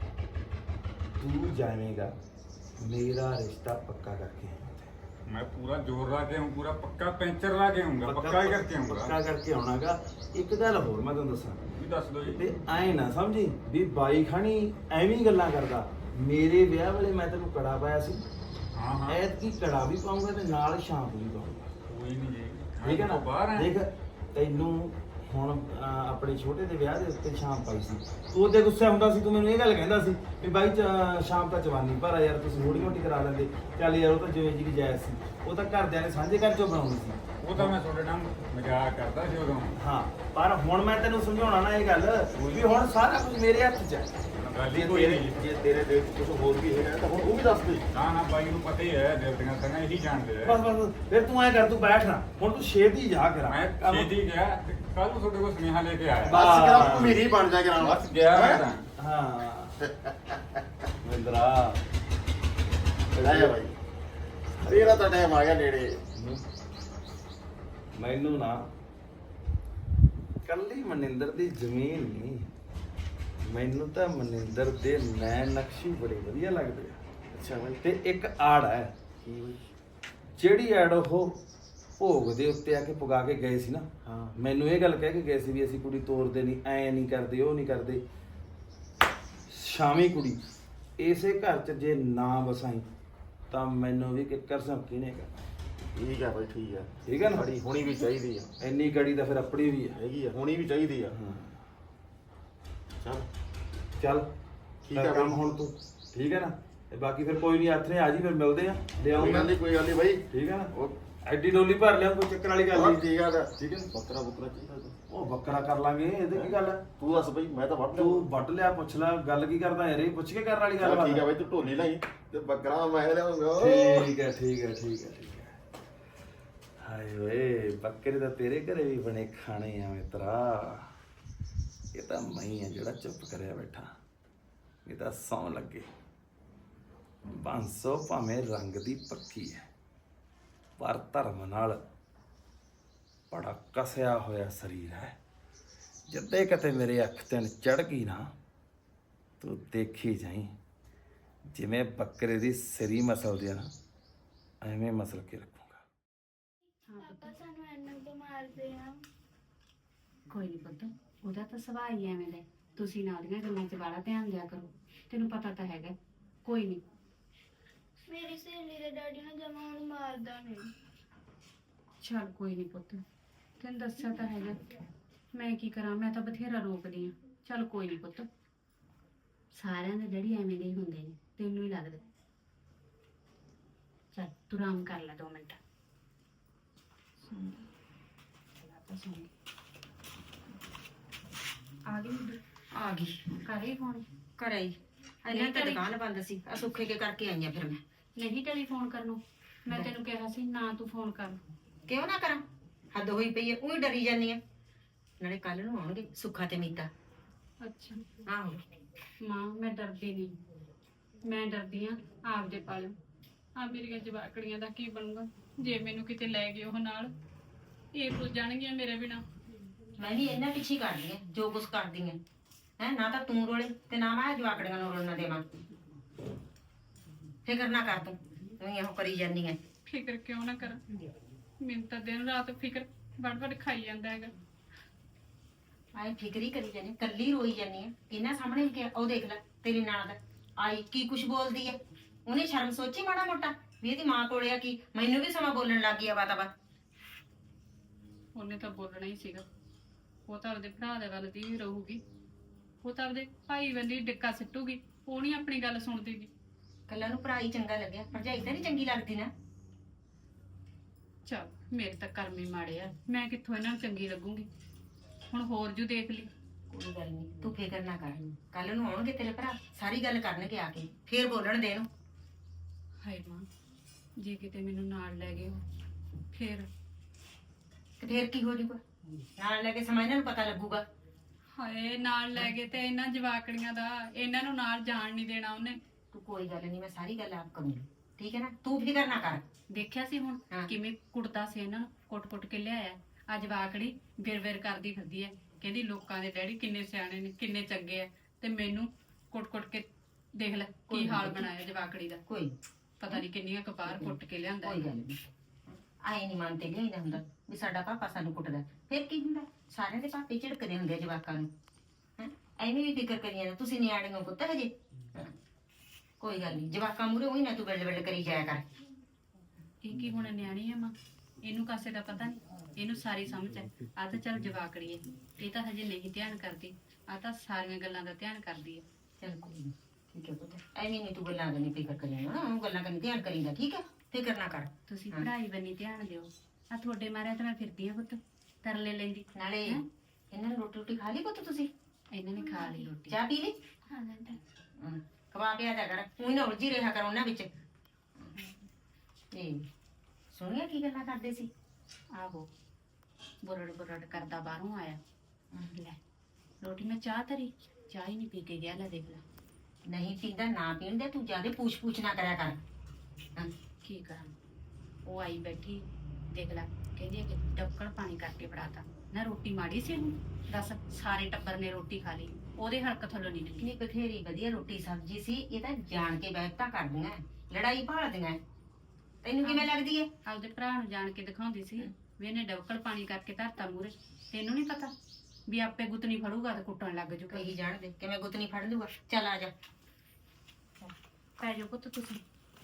S5: ਤੂੰ ਜਾਵੇਂਗਾ ਮੇਰਾ ਰਿਸ਼ਤਾ ਪੱਕਾ ਕਰਕੇ ਆਏਂਗਾ।
S7: ਮੈਂ ਪੂਰਾ ਜ਼ੋਰ ਲਾ ਕੇ ਆऊं, ਪੂਰਾ ਪੱਕਾ ਪੈਂਚਰ ਲਾ ਕੇ ਆਉਂਗਾ, ਪੱਕਾ ਹੀ ਕਰਕੇ ਆਉਂਗਾ।
S5: ਪੱਕਾ ਕਰਕੇ ਆਉਣਾਗਾ। ਇੱਕ ਗੱਲ ਹੋਰ ਮੈਂ ਤੁਹਾਨੂੰ ਦੱਸਾਂ,
S7: ਵੀ ਦੱਸ ਦਿਓ ਜੀ।
S5: ਤੇ ਐ ਨਾ ਸਮਝੀ ਵੀ ਬਾਈ ਖਾਣੀ ਐਵੇਂ ਹੀ ਗੱਲਾਂ ਕਰਦਾ। ਮੇਰੇ ਵਿਆਹ ਵੇਲੇ ਮੈਂ ਤੈਨੂੰ ਕੜਾ ਪਾਇਆ ਸੀ,
S7: ਹਾਂ ਹਾਂ
S5: ਐਤਕੀ ਕੜਾ ਵੀ ਪਾਉਂਗਾ ਤੇ ਨਾਲ ਸ਼ਾਂਪ ਵੀ ਪਾਉਂਗਾ।
S7: ਕੋਈ ਨਹੀਂ ਜੀ।
S5: ਠੀਕ ਹੈ ਨਾ?
S7: ਬਾਹਰ ਆ।
S5: ਦੇਖ ਤੈਨੂੰ ਹੁਣ ਅਹ, ਆਪਣੇ ਛੋਟੇ ਦੇ ਵਿਆਹ ਦੇ ਉੱਤੇ ਸ਼ਾਮ ਪਾਈ ਸੀ, ਤੂੰ ਉਹਦੇ ਗੁੱਸੇ ਹੁੰਦਾ ਸੀ, ਤੂੰ ਮੈਨੂੰ ਇਹ ਗੱਲ ਕਹਿੰਦਾ ਸੀ ਵੀ ਬਾਈ ਚ- ਸ਼ਾਮ ਤਾਂ ਜਵਾਨੀ ਭਰਾ ਯਾਰ ਤੁਸੀਂ ਥੋੜੀ ਮੋਟੀ ਕਰਾ ਲੈਂਦੇ। ਚੱਲ ਯਾਰ ਉਹ ਤਾਂ ਜਿਵੇਂ ਜੀ ਦੀ ਜਾਇਜ਼ ਸੀ, ਉਹ ਤਾਂ ਘਰਦਿਆਂ ਨੇ ਸਾਂਝੇ ਘਰ ਚੋਂ ਬਣਾਉਣੀ ਸੀ।
S7: ਉਹ ਤਾਂ ਮੈਂ ਤੁਹਾਡੇ ਨਾਲ ਮਜ਼ਾਕ ਕਰਦਾ ਸੀ ਉਦੋਂ।
S5: ਹਾਂ ਪਰ ਹੁਣ ਮੈਂ ਤੈਨੂੰ ਸਮਝਾਉਣਾ ਨਾ ਇਹ ਗੱਲ ਵੀ ਹੁਣ ਸਾਰਾ ਕੁਝ ਮੇਰੇ ਹੱਥ 'ਚ ਹੈ।
S7: ਗੱਲ ਹੀ
S4: ਜੇ
S7: ਕੋਈ
S4: ਤੇਰੇ
S7: ਨਹੀਂ।
S4: ਜੇ ਤੇਰੇ ਦਿਲ 'ਚ ਕੁਝ ਹੋਰ ਵੀ ਹੈਗਾ ਤਾਂ ਹੁਣ ਉਹ ਵੀ ਦੱਸ ਦੇ।
S7: ਨਾ ਨਾ ਬਾਈ ਨੂੰ ਪਤਾ ਹੀ ਹੈ, ਦੇਵਤੀਆਂ ਤਾਂ ਇਹੀ ਜਾਣਦੇ
S5: ਬਸ
S7: ਆ।
S5: ਬਸ ਫਿਰ ਤੂੰ ਐ ਕਰ, ਤੂੰ ਬੈਠ ਨਾ ਹੁਣ, ਤੂੰ ਛੇਤੀ ਜਾ ਕਰਾ
S7: ਮੈਂ ਛੇਤੀ ਗਿਆ ਤੇ ਕੱਲ ਨੂੰ ਤੁਹਾਡੇ ਕੋਲ ਸੁਨੇਹਾ ਲੈ ਕੇ ਆਇਆ।
S4: ਬਸ ਕਰ ਮੇਰੀ ਬਣ ਜਾ ਕਰਾਂ
S7: ਬਸ ਗਿਆ ਮੈਂ ਤਾਂ।
S5: ਹਾਂ ਵਿੰਦਰਾ
S4: ਲੈ ਜਾ ਬਾਈ, ਤੇਰਾ ਤਾਂ ਟਾਈਮ ਆ ਗਿਆ ਨੇੜੇ।
S5: ਮੈਨੂੰ ਨਾ ਕੱਲੀ ਮਨਿੰਦਰ ਦੀ ਜ਼ਮੀਨ ਨਹੀਂ, ਮੈਨੂੰ ਤਾਂ ਮਨਿੰਦਰ ਦੇ ਨੈਣ ਨਕਸ਼ੀ ਬੜੇ ਵਧੀਆ ਲੱਗਦੇ ਆ।
S4: ਅੱਛਾ ਬਾਈ।
S5: ਤੇ ਇੱਕ ਆੜ ਹੈ,
S4: ਕੀ ਬਾਈ?
S5: ਜਿਹੜੀ ਆੜ ਉਹ ਭੋਗ ਦੇ ਉੱਤੇ ਆ ਕੇ ਪੁਗਾ ਕੇ ਗਏ ਸੀ ਨਾ,
S4: ਹਾਂ।
S5: ਮੈਨੂੰ ਇਹ ਗੱਲ ਕਹਿ ਕੇ ਗਏ ਸੀ ਵੀ ਅਸੀਂ ਕੁੜੀ ਤੋਰਦੇ ਨਹੀਂ, ਐ ਨਹੀਂ ਕਰਦੇ, ਉਹ ਨਹੀਂ ਕਰਦੇ। ਸ਼ਾਮੀ ਕੁੜੀ ਇਸੇ ਘਰ 'ਚ ਜੇ ਨਾ ਵਸਾਈ ਤਾਂ ਮੈਨੂੰ ਵੀ ਕਿੱਕਰ ਸੰਕੀ ਨੇ ਕਰਨਾ।
S4: ਠੀਕ ਆ ਬਾਈ, ਠੀਕ ਆ।
S5: ਠੀਕ ਆ ਨਾ?
S4: ਬੜੀ ਹੋਣੀ ਵੀ ਚਾਹੀਦੀ ਆ।
S5: ਇੰਨੀ ਕੜੀ ਤਾਂ ਫਿਰ ਆਪਣੀ ਵੀ ਹੈ।
S4: ਹੈਗੀ ਆ, ਹੋਣੀ ਵੀ ਚਾਹੀਦੀ ਆ।
S5: ਹਾਂ
S4: ਚੱਲ
S5: ਚੱਲ
S4: ਠੀਕ
S5: ਕਰ
S4: ਆ
S5: ਕੰਮ
S4: ਬਾਈ।
S5: ਹੁਣ ਤੂੰ, ਠੀਕ ਹੈ ਨਾ? ਤੇ ਬਾਕੀ ਫਿਰ ਕੋਈ ਨਹੀਂ ਹੱਥ ਨੇ ਆ ਜੀ, ਫਿਰ ਮਿਲਦੇ ਆ,
S4: ਕੋਈ ਗੱਲ
S5: ਲਿਆਉਂਗਾ।
S4: ਨਹੀਂ, ਕੋਈ ਗੱਲ ਨਹੀਂ ਬਾਈ।
S5: ਠੀਕ ਹੈ ਨਾ?
S4: ਉਹ
S5: ਐਡੀ ਡੋਲੀ ਭਰ ਲਿਆ, ਕੋਈ ਚੱਕਰ ਵਾਲੀ ਗੱਲ
S4: ਹਾਂ,
S5: ਨਹੀਂ।
S4: ਠੀਕ ਆ ਗਾ।
S5: ਠੀਕ ਹੈ ਨਾ?
S4: ਬੱਕਰਾ ਬੁਕਰਾ ਚਾਹੀਦਾ ਤੂੰ।
S5: ਉਹ ਬੱਕਰਾ ਕਰ ਲਾਂਗੇ, ਇਹਦੇ ਕੀ ਗੱਲ ਹੈ?
S4: ਤੂੰ ਦੱਸ ਬਾਈ, ਮੈਂ ਤਾਂ ਵੱਢ ਲਿਆ।
S5: ਤੂੰ ਵੱਟ ਲਿਆ, ਪੁੱਛ ਲੈ, ਗੱਲ ਕੀ ਕਰਦਾ ਯਾਰ? ਇਹ ਪੁੱਛ ਕੇ ਕਰਨ ਵਾਲੀ ਗੱਲ
S4: ਚੱਲ ਠੀਕ ਆ
S5: ਬਾਤ
S4: ਬਾਈ, ਤੂੰ ਢੋਲੀ ਲਈ ਤੇ ਬੱਕਰਾ ਮੈਂ ਲਿਆਉਂਗਾ।
S5: ਠੀਕ ਹੈ ਠੀਕ ਹੈ ਠੀਕ ਹੈ ਠੀਕ ਹੈ। ਹਾਏ ਓਏ, ਬੱਕਰੇ ਤਾਂ ਤੇਰੇ ਘਰੇ ਵੀ ਬਣੇ ਖਾਣੇ ਆ ਮਿੱਤਰਾ। ਇਹ ਤਾਂ ਮੈਂ ਹੀ ਆ ਜਿਹੜਾ ਚੁੱਪ ਕਰਿਆ ਬੈਠਾ। ਇਹ ਤਾਂ ਸੌਂ ਲੱਗੇ। ਬਾਂਸੋ ਭਾਵੇਂ ਰੰਗ ਦੀ ਪੱਕੀ ਹੈ, ਪਰ ਧਰਮ ਨਾਲ ਬੜਾ ਕਸਿਆ ਹੋਇਆ ਸਰੀਰ ਹੈ। ਜਿੱਦੇ ਕਿਤੇ ਮੇਰੇ ਅੱਖ ਤੇ ਚੜ ਗਈ ਨਾ, ਤੂੰ ਦੇਖੀ ਜਾਈਂ, ਜਿਵੇਂ ਬੱਕਰੇ ਦੀ ਸਿਰੀ ਮਸਲਦੇ ਆ ਨਾ, ਐਵੇਂ ਮਸਲ ਕੇ ਰੱਖੂੰਗਾ।
S8: ਪਾਪਾ ਸਾਨੂੰ ਇੰਨਾ ਤੋਂ ਮਾਰਦੇ ਆ।
S9: ਕੋਈ ਨਹੀਂ ਪੁੱਤ, ਉਹਦਾ ਤਾਂ ਸੁਭਾਅ ਹੀ ਐਵੇਂ ਦਾ ਹੈ। ਤੁਸੀਂ ਨਾਲ ਦੀਆਂ ਗੱਲਾਂ 'ਚ ਬਾਹਲਾ ਧਿਆਨ ਦਿਆ ਕਰੋ, ਤੈਨੂੰ ਪਤਾ ਤਾਂ ਹੈਗਾ। ਕੋਈ ਨਹੀਂ,
S8: ਮੇਰੀ ਸਹੇਲੀ ਦੇ ਡੈਡੀ ਨੇ ਜਮਾ ਹੁਣ ਮਾਰਦਾ ਨਹੀਂ।
S9: ਚੱਲ ਕੋਈ ਨਹੀਂ ਪੁੱਤ, ਤੈਨੂੰ ਦੱਸਿਆ ਤਾਂ ਹੈਗਾ। ਮੈਂ ਕੀ ਕਰਾਂ, ਮੈਂ ਤਾਂ ਬਥੇਰਾ ਰੋਕਦੀ ਆ। ਚੱਲ ਕੋਈ ਨਹੀਂ ਪੁੱਤ, ਸਾਰਿਆਂ ਦੇ ਡੈਡੀ ਐਵੇਂ ਦੇ ਹੀ ਹੁੰਦੇ ਨੇ, ਤੈਨੂੰ ਹੀ ਲੱਗਦਾ। ਚੱਲ ਤੂੰ ਆਰਾਮ ਕਰ ਲੈ ਦੋ ਮਿੰਟ। ਸੁਣ ਤਾਂ ਸੁਣ ਆ ਗਈ
S2: ਆ ਗਈ
S9: ਕਰੇ ਫੋਨ?
S2: ਘਰੇ ਹੀ ਇਹਨਾਂ ਤੇ ਦੁਕਾਨ ਬੰਦ ਸੀ, ਆ ਸੁੱਖੇ ਕੇ ਕਰਕੇ ਆਈਆਂ ਫਿਰ ਮੈਂ।
S9: ਨਹੀਂ ਟੈਲੀਫੋਨ ਕਰਨੋਂ, ਮੈਂ ਤੈਨੂੰ ਕਿਹਾ ਸੀ ਨਾ ਤੂੰ ਫੋਨ ਕਰ।
S2: ਕਿਉਂ ਨਾ ਕਰਾਂ, ਹੱਦ ਹੋਈ ਪਈ ਐ, ਉਹੀ ਡਰੀ ਜਾਂਦੀ ਆ। ਨਾਲੇ ਕੱਲ ਨੂੰ ਆਉਣਗੇ ਸੁੱਖਾ ਤੇ ਮੀਤਾ।
S9: ਅੱਛਾ
S2: ਆਹੋ
S9: ਮਾਂ, ਮੈਂ ਡਰਦੀ ਨਹੀਂ, ਮੈਂ ਡਰਦੀ ਆ ਆਪਦੇ ਪਾਲਿਓ। ਆ ਮੇਰੀਆਂ ਜਵਾਕੜੀਆਂ ਦਾ ਕੀ ਬਣੂਗਾ ਜੇ ਮੈਨੂੰ ਕਿਤੇ ਲੈ ਗਏ ਉਹ ਨਾਲ? ਇਹ ਭੁੱਲ ਜਾਣਗੀਆਂ ਮੇਰੇ ਬਿਨਾ।
S2: ਮੈਂ ਵੀ ਇਹਨਾਂ ਪਿੱਛੇ ਕਰਦੀ ਐ ਜੋ ਕੁਛ ਕਰਦੀ ਐ। ਹੈ ਨਾ ਤਾਂ ਤੂੰ ਰੋਲੇ ਤੇ ਨਾ ਮੈਂ ਜਵਾਕੜੀਆਂ ਨੂੰ ਰੋਲਣਾ ਦੇਵਾਂ।
S10: ਫਿਕਰ ਨਾ ਕਰ ਤੂੰ ਤੂੰ ਇਹੋ ਕਰੀ ਜਾਨੀ ਐ।
S3: ਫਿਕਰ ਕਿਉਂ ਨਾ ਕਰਾਂ, ਮੈਨੂੰ ਤਾਂ ਦਿਨ ਰਾਤ ਫਿਕਰ ਵੜ ਵੜ ਖਾਈ ਜਾਂਦਾ ਹੈਗਾ।
S10: ਆਏ ਫਿਕਰ ਹੀ ਕਰੀ ਜਾਨੀ, ਕੱਲੀ ਰੋਈ ਜਾਨੀ ਐ। ਇਹਨਾਂ ਸਾਹਮਣੇ ਕਿ ਉਹ ਦੇਖ ਲੈ ਤੇਰੀ ਨਣਦ ਆਈ ਕੀ ਕੁਛ ਬੋਲਦੀ ਐ। ਉਹਨੇ ਸ਼ਰਮ ਸੋਚੀ ਮਾੜਾ ਮੋਟਾ ਵੀ ਇਹਦੀ ਮਾਂ ਕੋਲੇ ਆ ਕੀ ਮੈਨੂੰ ਵੀ ਸਮਾਂ ਬੋਲਣ ਲੱਗ ਗਈ ਆ ਬਾਤਾਬਾ।
S3: ਉਹਨੇ ਤਾਂ ਬੋਲਣਾ ਹੀ ਸੀਗਾ, ਉਹ ਤਾਂ ਆਪਦੇ ਭਰਾ ਦੇ ਵੱਲ ਦੀ ਵੀ ਰਹੂਗੀ, ਉਹ ਤਾਂ ਆਪਦੇ ਭਾਈ ਵੱਲ ਹੀ ਡਿੱਕਾ ਸਿੱਟੂਗੀ, ਉਹ ਨਹੀਂ ਆਪਣੀ ਗੱਲ ਸੁਣਦੀਗੀ।
S10: ਕੱਲਾ ਨੂੰ ਭਰਾ ਹੀ ਚੰਗਾ ਲੱਗਿਆ, ਭਰਜਾਈ ਤਾਂ ਨਹੀਂ ਚੰਗੀ ਲੱਗਦੀ ਨਾ।
S3: ਚਲ ਮੇਰੇ ਤਾਂ ਕਰਮ ਹੀ ਮਾੜੇ ਆ, ਮੈਂ ਕਿੱਥੋਂ ਇਹਨਾਂ ਨੂੰ ਚੰਗੀ ਲੱਗੂਗੀ। ਹੁਣ ਹੋਰ ਜੂ ਦੇਖ ਲਈ।
S10: ਕੋਈ ਗੱਲ ਨਹੀਂ ਤੂੰ ਫਿਕਰ ਨਾ ਕਰ, ਕੱਲ ਨੂੰ ਆਉਣਗੇ ਤੇਰੇ ਭਰਾ ਸਾਰੀ ਗੱਲ ਕਰਨਗੇ ਆ ਕੇ, ਫੇਰ ਬੋਲਣ ਦੇ ਇਹਨੂੰ।
S3: ਹਾਏ ਮਾਂ, ਜੇ ਕਿਤੇ ਮੈਨੂੰ ਨਾਲ ਲੈ ਗਏ ਫੇਰ
S10: ਤੇ ਫੇਰ ਕੀ ਹੋ ਜੂਗਾ, ਨਾਲ ਲੈ ਕੇ ਸਮਾਂ ਇਹਨਾਂ ਨੂੰ ਪਤਾ ਲੱਗੂਗਾ।
S3: ਹਾਏ ਨਾਲ ਲੈ ਗਏ ਤੇ ਇਹਨਾਂ ਜਵਾਕੜੀਆਂ ਦਾ, ਇਹਨਾਂ ਨੂੰ ਨਾਲ ਜਾਣ ਨਹੀਂ ਦੇਣਾ ਉਹਨੇ।
S10: ਤੂੰ ਕੋਈ ਗੱਲ ਨਹੀਂ, ਮੈਂ ਸਾਰੀ ਗੱਲ ਆਪ ਕਰੂੰਗੀ, ਠੀਕ ਹੈ ਨਾ, ਤੂੰ ਫਿਕਰ ਨਾ ਕਰ।
S3: ਦੇਖਿਆ ਸੀ ਹੁਣ ਕਿਵੇਂ ਕੁੱਟਦਾ ਸੀ ਇਹਨਾਂ ਨੂੰ, ਕੁੱਟ-ਕੁੱਟ ਕੇ ਲਿਆਇਆ। ਅੱਜ ਵਾਕੜੀ ਵਿਰ-ਵਿਰ ਕਰਦੀ ਫਿਰਦੀ ਐ, ਕਹਿੰਦੀ ਲੋਕਾਂ ਦੇ ਡੈਡੀ ਕਿੰਨੇ ਸਿਆਣੇ ਨੇ, ਕਿੰਨੇ ਚੰਗੇ ਆ, ਤੇ ਮੈਨੂੰ ਕੁੱਟ-ਕੁੱਟ ਕੇ ਦੇਖ ਲੈ ਕੀ ਹਾਲ ਬਣਾਇਆ ਜਵਾਕੜੀ ਦਾ।
S10: ਕੋਈ
S3: ਪਤਾ ਨਹੀਂ ਕਿੰਨੀਆਂ ਕਪਾਰ ਕੁੱਟ ਕੇ ਲਿਆਂਦਾ।
S10: ਕੋਈ ਗੱਲ ਨਹੀਂ, ਆਏ ਨਹੀਂ ਮੰਨਤੇ ਲਿਆਈਦਾ ਹੁੰਦਾ ਵੀ ਸਾਡਾ ਪਾਪਾ ਸਾਨੂੰ ਕੁੱਟਦਾ, ਫਿਰ ਕੀ ਹੁੰਦਾ, ਸਾਰਿਆਂ ਦੇ ਪਾਪੇ ਝਿੜਕਦੇ ਹੁੰਦੇ ਆ ਜਵਾਕਾਂ ਨੂੰ। ਹੈਂ ਐਵੇਂ ਵੀ ਫਿਕਰ ਕਰੀ ਜਾਂਦਾ, ਤੁਸੀਂ ਨਿਆਣੇ ਹੋ ਪੁੱਤ ਹਜੇ। ਕੋਈ ਗੱਲ ਨਹੀਂ, ਜਵਾਕਾਂ ਮੂਹਰੇ ਉਹੀ ਨਾ ਤੂੰ ਬਿਲਡ ਬਿਲਡ ਕਰੀ ਜਾਇਆ ਕਰ।
S3: ਇਹ ਕੀ ਹੁਣ ਨਿਆਣੀ ਆ ਮਾਂ, ਇਹਨੂੰ ਕਾਸੇ ਦਾ ਪਤਾ ਨਹੀਂ, ਇਹਨੂੰ ਸਾਰੀ ਸਮਝ ਹੈ। ਆ ਤਾਂ ਚੱਲ ਜਵਾਕੜੀ ਹੈ, ਇਹ ਤਾਂ ਹਜੇ ਨਹੀਂ ਧਿਆਨ ਕਰਦੀ, ਆ ਤਾਂ ਸਾਰੀਆਂ ਗੱਲਾਂ ਦਾ ਧਿਆਨ ਕਰਦੀ ਹੈ।
S10: ਚੱਲ ਕੋਈ ਨਹੀਂ, ਠੀਕ ਹੈ ਪੁੱਤ, ਐਵੇਂ ਨਹੀਂ ਤੂੰ ਗੱਲਾਂ ਕਰਨੀ ਫਿਕਰ ਕਰੀ ਨਾ, ਉਹ ਗੱਲਾਂ ਕਰਨੀ ਧਿਆਨ ਕਰੀਦਾ, ਠੀਕ ਹੈ, ਫਿਕਰ ਨਾ ਕਰ।
S3: ਤੁਸੀਂ ਪੜ੍ਹਾਈ ਬੰਨੀ ਧਿਆਨ ਦਿਓ। ਆ ਤੁਹਾਡੇ ਮਾਰਿਆ ਤਾਂ ਮੈਂ ਫਿਰਦੀ ਆ ਪੁੱਤ, ਤਰਲੇ ਲੈਂਦੀ।
S10: ਨਾਲੇ ਇਹਨਾਂ ਨੂੰ ਰੋਟੀ ਰੋਟੀ ਖਾ ਲਈ ਪੁੱਤ ਤੁਸੀਂ?
S3: ਇਹਨਾਂ ਨੇ ਖਾ ਲਈ ਰੋਟੀ।
S10: ਚਾਹ ਪੀ ਲਈ?
S3: ਹਾਂ
S10: ਖਵਾ ਪਿਆ ਜਾ ਕਰ, ਉਹੀ ਨਾ ਉਲਝੀ ਰਿਹਾ ਕਰ ਉਹਨਾਂ ਵਿੱਚ। ਤੇ ਸੁਣਿਆ ਕੀ ਗੱਲਾਂ ਕਰਦੇ ਸੀ?
S3: ਆਹੋ ਬੁਰੜ ਬੁਰੜ ਕਰਦਾ ਬਾਹਰੋਂ ਆਇਆ, ਲੈ ਰੋਟੀ ਮੈਂ ਚਾਹ ਧਰੀ, ਚਾਹ ਹੀ ਨਹੀਂ ਪੀ ਕੇ ਗਿਆ। ਲੈ ਦੇਖ ਲੈ,
S10: ਨਹੀਂ ਪੀਂਦਾ ਨਾ ਪੀਣ ਦੇ, ਤੂੰ ਜਿਆਦਾ ਪੂਛ ਪੂਛ ਨਾ ਕਰਿਆ ਕਰ। ਹਾਂ
S3: ਕੀ ਕਰਾਂ, ਉਹ ਆਈ ਬੈਠੀ ਦੇਖ ਲੈ, ਕਹਿੰਦੀ ਹੈ ਕਿ ਡੱਕਣ ਪਾਣੀ ਕਰਕੇ ਫੜਾਤਾ ਨਾ। ਰੋਟੀ ਮਾੜੀ ਸੀ ਹੁਣ ਦੱਸ, ਸਾਰੇ ਟੱਬਰ ਨੇ ਰੋਟੀ ਖਾ ਲਈ, ਉਹਦੇ ਹਲਕ ਥੱਲੋਂ ਨਹੀਂ ਨਿਕਲੀ।
S10: ਨਹੀਂ ਬਥੇਰੀ ਵਧੀਆ ਰੋਟੀ ਸਬਜ਼ੀ ਸੀ, ਇਹ ਤਾਂ ਜਾਣ ਕੇ ਬੈਠਾ ਕਰਦੀਆਂ, ਲੜਾਈ ਭਾਲਦੀਆਂ। ਤੈਨੂੰ ਕਿਵੇਂ ਲੱਗਦੀ ਹੈ?
S3: ਆਪਦੇ ਭਰਾ ਨੂੰ ਜਾਣ ਕੇ ਦਿਖਾਉਂਦੀ ਸੀ ਵੀ ਇਹਨੇ ਡੱਕਣ ਪਾਣੀ ਕਰਕੇ ਧਰਤਾ ਮੂਰੇ। ਤੈਨੂੰ ਨਹੀਂ ਪਤਾ ਵੀ ਆਪੇ ਗੁੱਤਨੀ ਫੜੂਗਾ ਤੇ ਕੁੱਟਣ ਲੱਗ ਜੂ।
S10: ਕਹੀ ਜਾਣ ਦੇ, ਕਿਵੇਂ ਗੁੱਤਨੀ ਫੜ ਲੂਗਾ। ਚੱਲ ਆ ਜਾ,
S3: ਪੈ ਜਾਓ ਪੁੱਤ ਤੁਸੀਂ।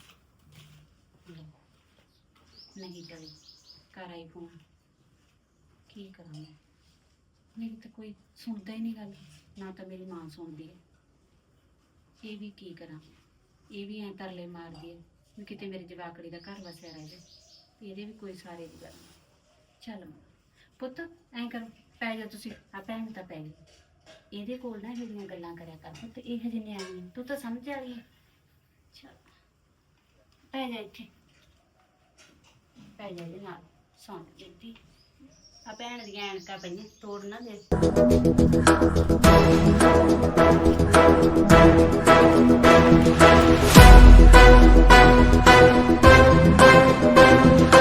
S3: ਨਹੀਂ ਟਲੀ, ਕਰ ਆਈ ਫੋਨ, ਕੀ ਕਰਾਂ ਮੈਂ, ਮੇਰੀ ਤਾਂ ਕੋਈ ਸੁਣਦਾ ਹੀ ਨਹੀਂ ਗੱਲ, ਨਾ ਤਾਂ ਮੇਰੀ ਮਾਂ ਸੁਣਦੀ ਹੈ। ਇਹ ਵੀ ਕੀ ਕਰਾਂ, ਇਹ ਵੀ ਐਂ ਤਰਲੇ ਮਾਰਦੀ ਹੈ ਵੀ ਕਿਤੇ ਮੇਰੀ ਜਵਾਕੜੀ ਦਾ ਘਰ ਵਸਿਆ ਰਹੇ, ਇਹਦੇ ਵੀ ਕੋਈ ਸਾਰੇ ਦੀ ਗੱਲ ਨਹੀਂ। ਚੱਲ ਪੁੱਤ ਐਂ ਕਰੋ, ਪੈ ਜਾ ਤੁਸੀਂ। ਆ ਭੈਣ ਤਾਂ ਪੈ ਗਈ, ਇਹਦੇ ਕੋਲ ਨਾ ਜਿਹੜੀਆਂ ਗੱਲਾਂ ਕਰਿਆ ਕਰ ਪੁੱਤ, ਇਹ ਹਜੇ ਨਿਆਣੀ ਹੈ, ਤੂੰ ਤਾਂ ਸਮਝ ਵਾਲੀ ਹੈ। ਚੱਲ ਪੈ ਜਾ ਇੱਥੇ, ਪੈ ਜਾ ਇਹਦੇ ਨਾਲ, ਸੌਂ ਦਿੱਤੀ। ਆ ਭੈਣ ਦੀਆਂ ਐਨਕਾਂ ਪਈਆਂ, ਤੋੜ ਨਾ ਦੇ।